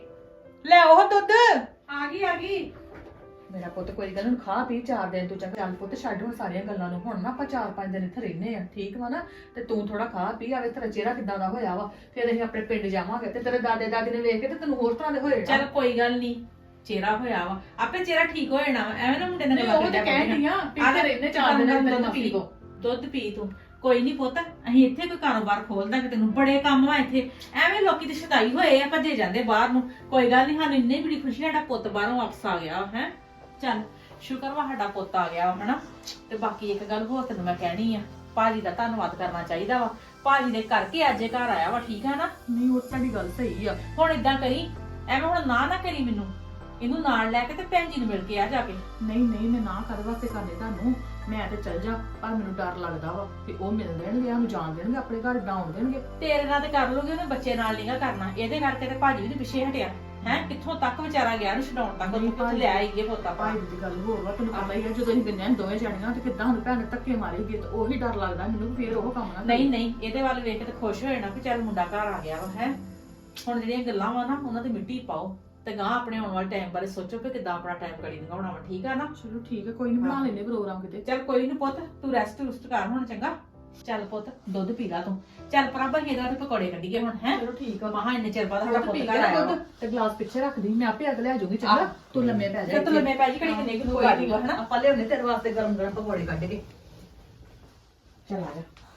Speaker 1: ਲੈ ਉਹ ਦੁੱਧ
Speaker 2: ਆ ਗਈ ਆ ਗਈ।
Speaker 1: ਮੇਰਾ ਪੁੱਤ ਕੋਈ ਗੱਲ ਨੀ, ਖਾ ਪੀ ਚਾਰ ਦਿਨ ਤੂੰ ਚੰਗਾ। ਚੱਲ ਪੁੱਤ ਛੱਡ ਹੁਣ ਸਾਰੀਆਂ ਗੱਲਾਂ ਨੂੰ, ਹੁਣ ਨਾ ਆਪਾਂ ਚਾਰ ਪੰਜ ਦਿਨ ਇੱਥੇ ਰਹਿੰਦੇ ਆ, ਠੀਕ ਵਾ ਨਾ। ਤੇ ਤੂੰ ਥੋੜਾ ਖਾ ਪੀ, ਆਵੇ ਤੇਰਾ ਚਿਹਰਾ ਕਿੱਦਾਂ ਦਾ ਹੋਇਆ ਵਾ। ਫਿਰ ਅਸੀਂ ਆਪਣੇ ਪਿੰਡ ਜਾਵਾਂਗੇ ਤੇ ਤੇਰੇ ਦਾਦੇ ਦਾਦੀ ਨੇ ਵੇਖ ਕੇ ਤੇ ਤੈਨੂੰ ਹੋਰ ਤਰ੍ਹਾਂ ਦੇ ਹੋਏ।
Speaker 2: ਚੱਲ ਕੋਈ ਗੱਲ ਨਹੀਂ, ਚਿਹਰਾ ਹੋਇਆ ਵਾ ਆਪੇ ਚਿਹਰਾ ਠੀਕ ਹੋ ਜਾਣਾ ਵਾ। ਐਵੇਂ ਨਾ ਮੁੰਡੇ ਨਾਲ
Speaker 1: ਨਹੀਂ
Speaker 2: ਗੱਲਾਂ
Speaker 1: ਉਹ ਤੇ
Speaker 2: ਕਰਿਆ
Speaker 1: ਕਹਿਣੀ ਆ ਵੀ ਇੱਥੇ ਰਹਿੰਦੇ ਚਾਰ ਦਿਨ ਤੇਰੇ
Speaker 2: ਦੁੱਧ
Speaker 1: ਮਾਸੀ
Speaker 2: ਪੀ
Speaker 1: ਕੋ।
Speaker 2: ਦੁੱਧ ਪੀ ਤੂੰ। ਕੋਈ ਨਹੀਂ ਪੁੱਤ, ਅਸੀਂ ਇੱਥੇ ਕੋਈ ਕਾਰੋਬਾਰ ਖੋਲ ਦਾਂਗੇ ਤੈਨੂੰ, ਬੜੇ ਕੰਮ ਆ ਇੱਥੇ। ਐਵੇਂ ਲੋਕੀ ਤੇ ਸ਼ਦਾਈ ਹੋਏ ਆ, ਭੱਜੇ ਜਾਂਦੇ ਬਾਹਰ ਨੂੰ। ਕੋਈ ਗੱਲ ਨਹੀਂ, ਸਾਨੂੰ ਇੰਨੀ ਬੜੀ ਖੁਸ਼ੀ ਸਾਡਾ ਪੁੱਤ ਬਾਹਰੋਂ ਵਾਪਸ ਆ ਗਿਆ ਹੈ। ਚੱਲ ਸ਼ੁਕਰ ਵਾ ਸਾਡਾ ਪੁੱਤ ਆ ਗਿਆ ਹਨਾ। ਤੇ ਬਾਕੀ ਇੱਕ ਗੱਲ ਹੋਰ ਤੈਨੂੰ ਮੈਂ ਕਹਿਣੀ ਆ, ਭਾਜੀ ਦਾ ਧੰਨਵਾਦ ਕਰਨਾ ਚਾਹੀਦਾ ਵਾ। ਭਾਜੀ ਦੇ ਕਰਕੇ ਅੱਜ ਇਹ ਘਰ ਆਇਆ ਵਾ, ਠੀਕ ਆ ਨਾ।
Speaker 1: ਨਹੀਂ ਉਹ ਤੁਹਾਡੀ ਗੱਲ ਸਹੀ ਆ।
Speaker 2: ਹੁਣ ਇਦਾਂ ਕਰੀ, ਐਵੇਂ ਹੁਣ ਨਾ ਨਾ ਕਰੀ ਮੈਨੂੰ, ਇਹਨੂੰ ਨਾਲ ਲੈ ਕੇ ਤੇ ਭੈਣ ਜੀ ਨੂੰ ਮਿਲ ਕੇ ਆ ਜਾ ਕੇ।
Speaker 1: ਨਹੀਂ ਨਹੀਂ ਮੈਂ ਨਾ ਕਰ ਵਾਸਤੇ ਕਰਨੇ ਤੁਹਾਨੂੰ, ਮੈਂ ਤੇ ਚੱਲ ਜਾ, ਪਰ ਮੈਨੂੰ ਡਰ ਲੱਗਦਾ ਵਾ ਕਿ ਉਹ ਮਿਲ ਦੇਣਗੇ, ਉਹਨੂੰ ਜਾਣ ਦੇਣਗੇ, ਆਪਣੇ ਘਰ ਡਾਉਣ ਦੇਣਗੇ।
Speaker 2: ਤੇਰੇ ਨਾਲ ਤੇ ਕਰ ਲੂਗੇ, ਉਹਨੇ ਬੱਚੇ ਨਾਲ ਨਹੀਂਗਾ ਕਰਨਾ। ਇਹਦੇ ਕਰਕੇ ਤੇ ਭਾਜੀ ਵੀ ਨੀ ਪਿੱਛੇ ਹਟਿਆ ਹੈ। ਕਿੱਥੋਂ ਤੱਕ ਵਿਚਾਰਾ ਗਿਆ ਨੂੰ ਛਡਾਉਣ ਤੱਕ, ਉਹਨੂੰ ਕਿੱਥੇ ਲਿਆ ਆਈਏ ਪੋਤਾ ਪਾ।
Speaker 1: ਭਾਈ ਦੀ ਗੱਲ ਹੋਰ ਵਾ, ਤੈਨੂੰ ਪਤਾ ਹੀ ਆ ਜਦੋਂ ਅਸੀਂ ਬਿੰਨਿਆਂ ਦੋਵੇਂ ਜਾਣੀਆਂ ਤੇ ਕਿੱਦਾਂ ਹੁਣ ਭੈਣ ਧੱਕੇ ਮਾਰੇਗੀ, ਤੇ ਉਹੀ ਡਰ ਲੱਗਦਾ ਮੈਨੂੰ ਕਿ ਫੇਰ ਉਹ ਕੰਮ ਨਾ ਕਰੇ।
Speaker 2: ਨਹੀਂ ਨਹੀਂ, ਇਹਦੇ ਵੱਲ ਵੇਖ ਕੇ ਤੇ ਖੁਸ਼ ਹੋ ਜਾਣਾ ਕਿ ਚੱਲ ਮੁੰਡਾ ਘਰ ਆ ਗਿਆ ਵਾ ਹੈ। ਹੁਣ ਜਿਹੜੀਆਂ ਗੱਲਾਂ ਵਾ ਨਾ ਉਹਨਾਂ ਤੇ ਮਿੱਟੀ ਪਾਓ ਤੇ ਗਾਂ ਆਪਣੇ ਆਉਣ ਵਾਲੇ ਟਾਈਮ ਬਾਰੇ ਸੋਚੋ ਕਿ ਕਿੱਦਾਂ ਆਪਣਾ ਟਾਈਮ ਕੜੀ ਲੰਘਾਉਣਾ ਵਾ, ਠੀਕ ਆ ਨਾ।
Speaker 1: ਚਲੋ ਠੀਕ ਹੈ, ਕੋਈ ਨਹੀਂ ਬਣਾ ਲੈਨੇ ਪ੍ਰੋਗਰਾਮ ਕਿਤੇ।
Speaker 2: ਚੱਲ ਕੋਈ ਨੀ ਪੁੱਤ, ਤੂੰ ਰੈਸਟ ਰੁਸਟ ਕਰ ਹੁਣ, ਚੰਗਾ। ਚੱਲ ਪੁੱਤ ਦੁੱਧ ਪੀ ਲਾ ਤੂੰ। ਚੱਲ ਪਰਾਬਾ ਇਹਦਾ ਤੇ ਪਕੌੜੇ ਕੱਢੀਏ ਹੁਣ ਹੈ।
Speaker 1: ਚਲੋ ਠੀਕ ਆ।
Speaker 2: ਮਹਾ ਇੰਨੇ ਚਿਰ ਬਾਅਦ ਸਾਡਾ
Speaker 1: ਦੁੱਧ
Speaker 2: ਪੁੱਤ
Speaker 1: ਪੀ
Speaker 2: ਘਰ ਆਇਆ ਵਾ।
Speaker 1: ਦੁੱਧ ਤੇ ਗਲਾਸ ਪਿੱਛੇ ਰੱਖ ਦੀ, ਮੈਂ ਆਪੇ ਅਗਲੇ ਆ ਜਾਊਂਗੀ, ਚੰਗਾ। ਤੂੰ ਲੰਮੇ ਪੈ ਜਾ।
Speaker 2: ਤੂੰ ਲੰਮੇ ਪੈ ਜੀ, ਘੜੀ ਕਿੰਨੇ ਕੁ
Speaker 1: ਕੋਈ
Speaker 2: ਆ
Speaker 1: ਨੀ,
Speaker 2: ਜਾਊਗਾ ਹਨਾ।
Speaker 1: ਆਪਾਂ ਲਿਆਉਣੇ ਤੇਰੇ ਵਾਸਤੇ ਗਰਮ ਗਰਮ ਪਕੌੜੇ ਕੱਢ ਕੇ।
Speaker 2: ਚੱਲ ਆ ਜਾ।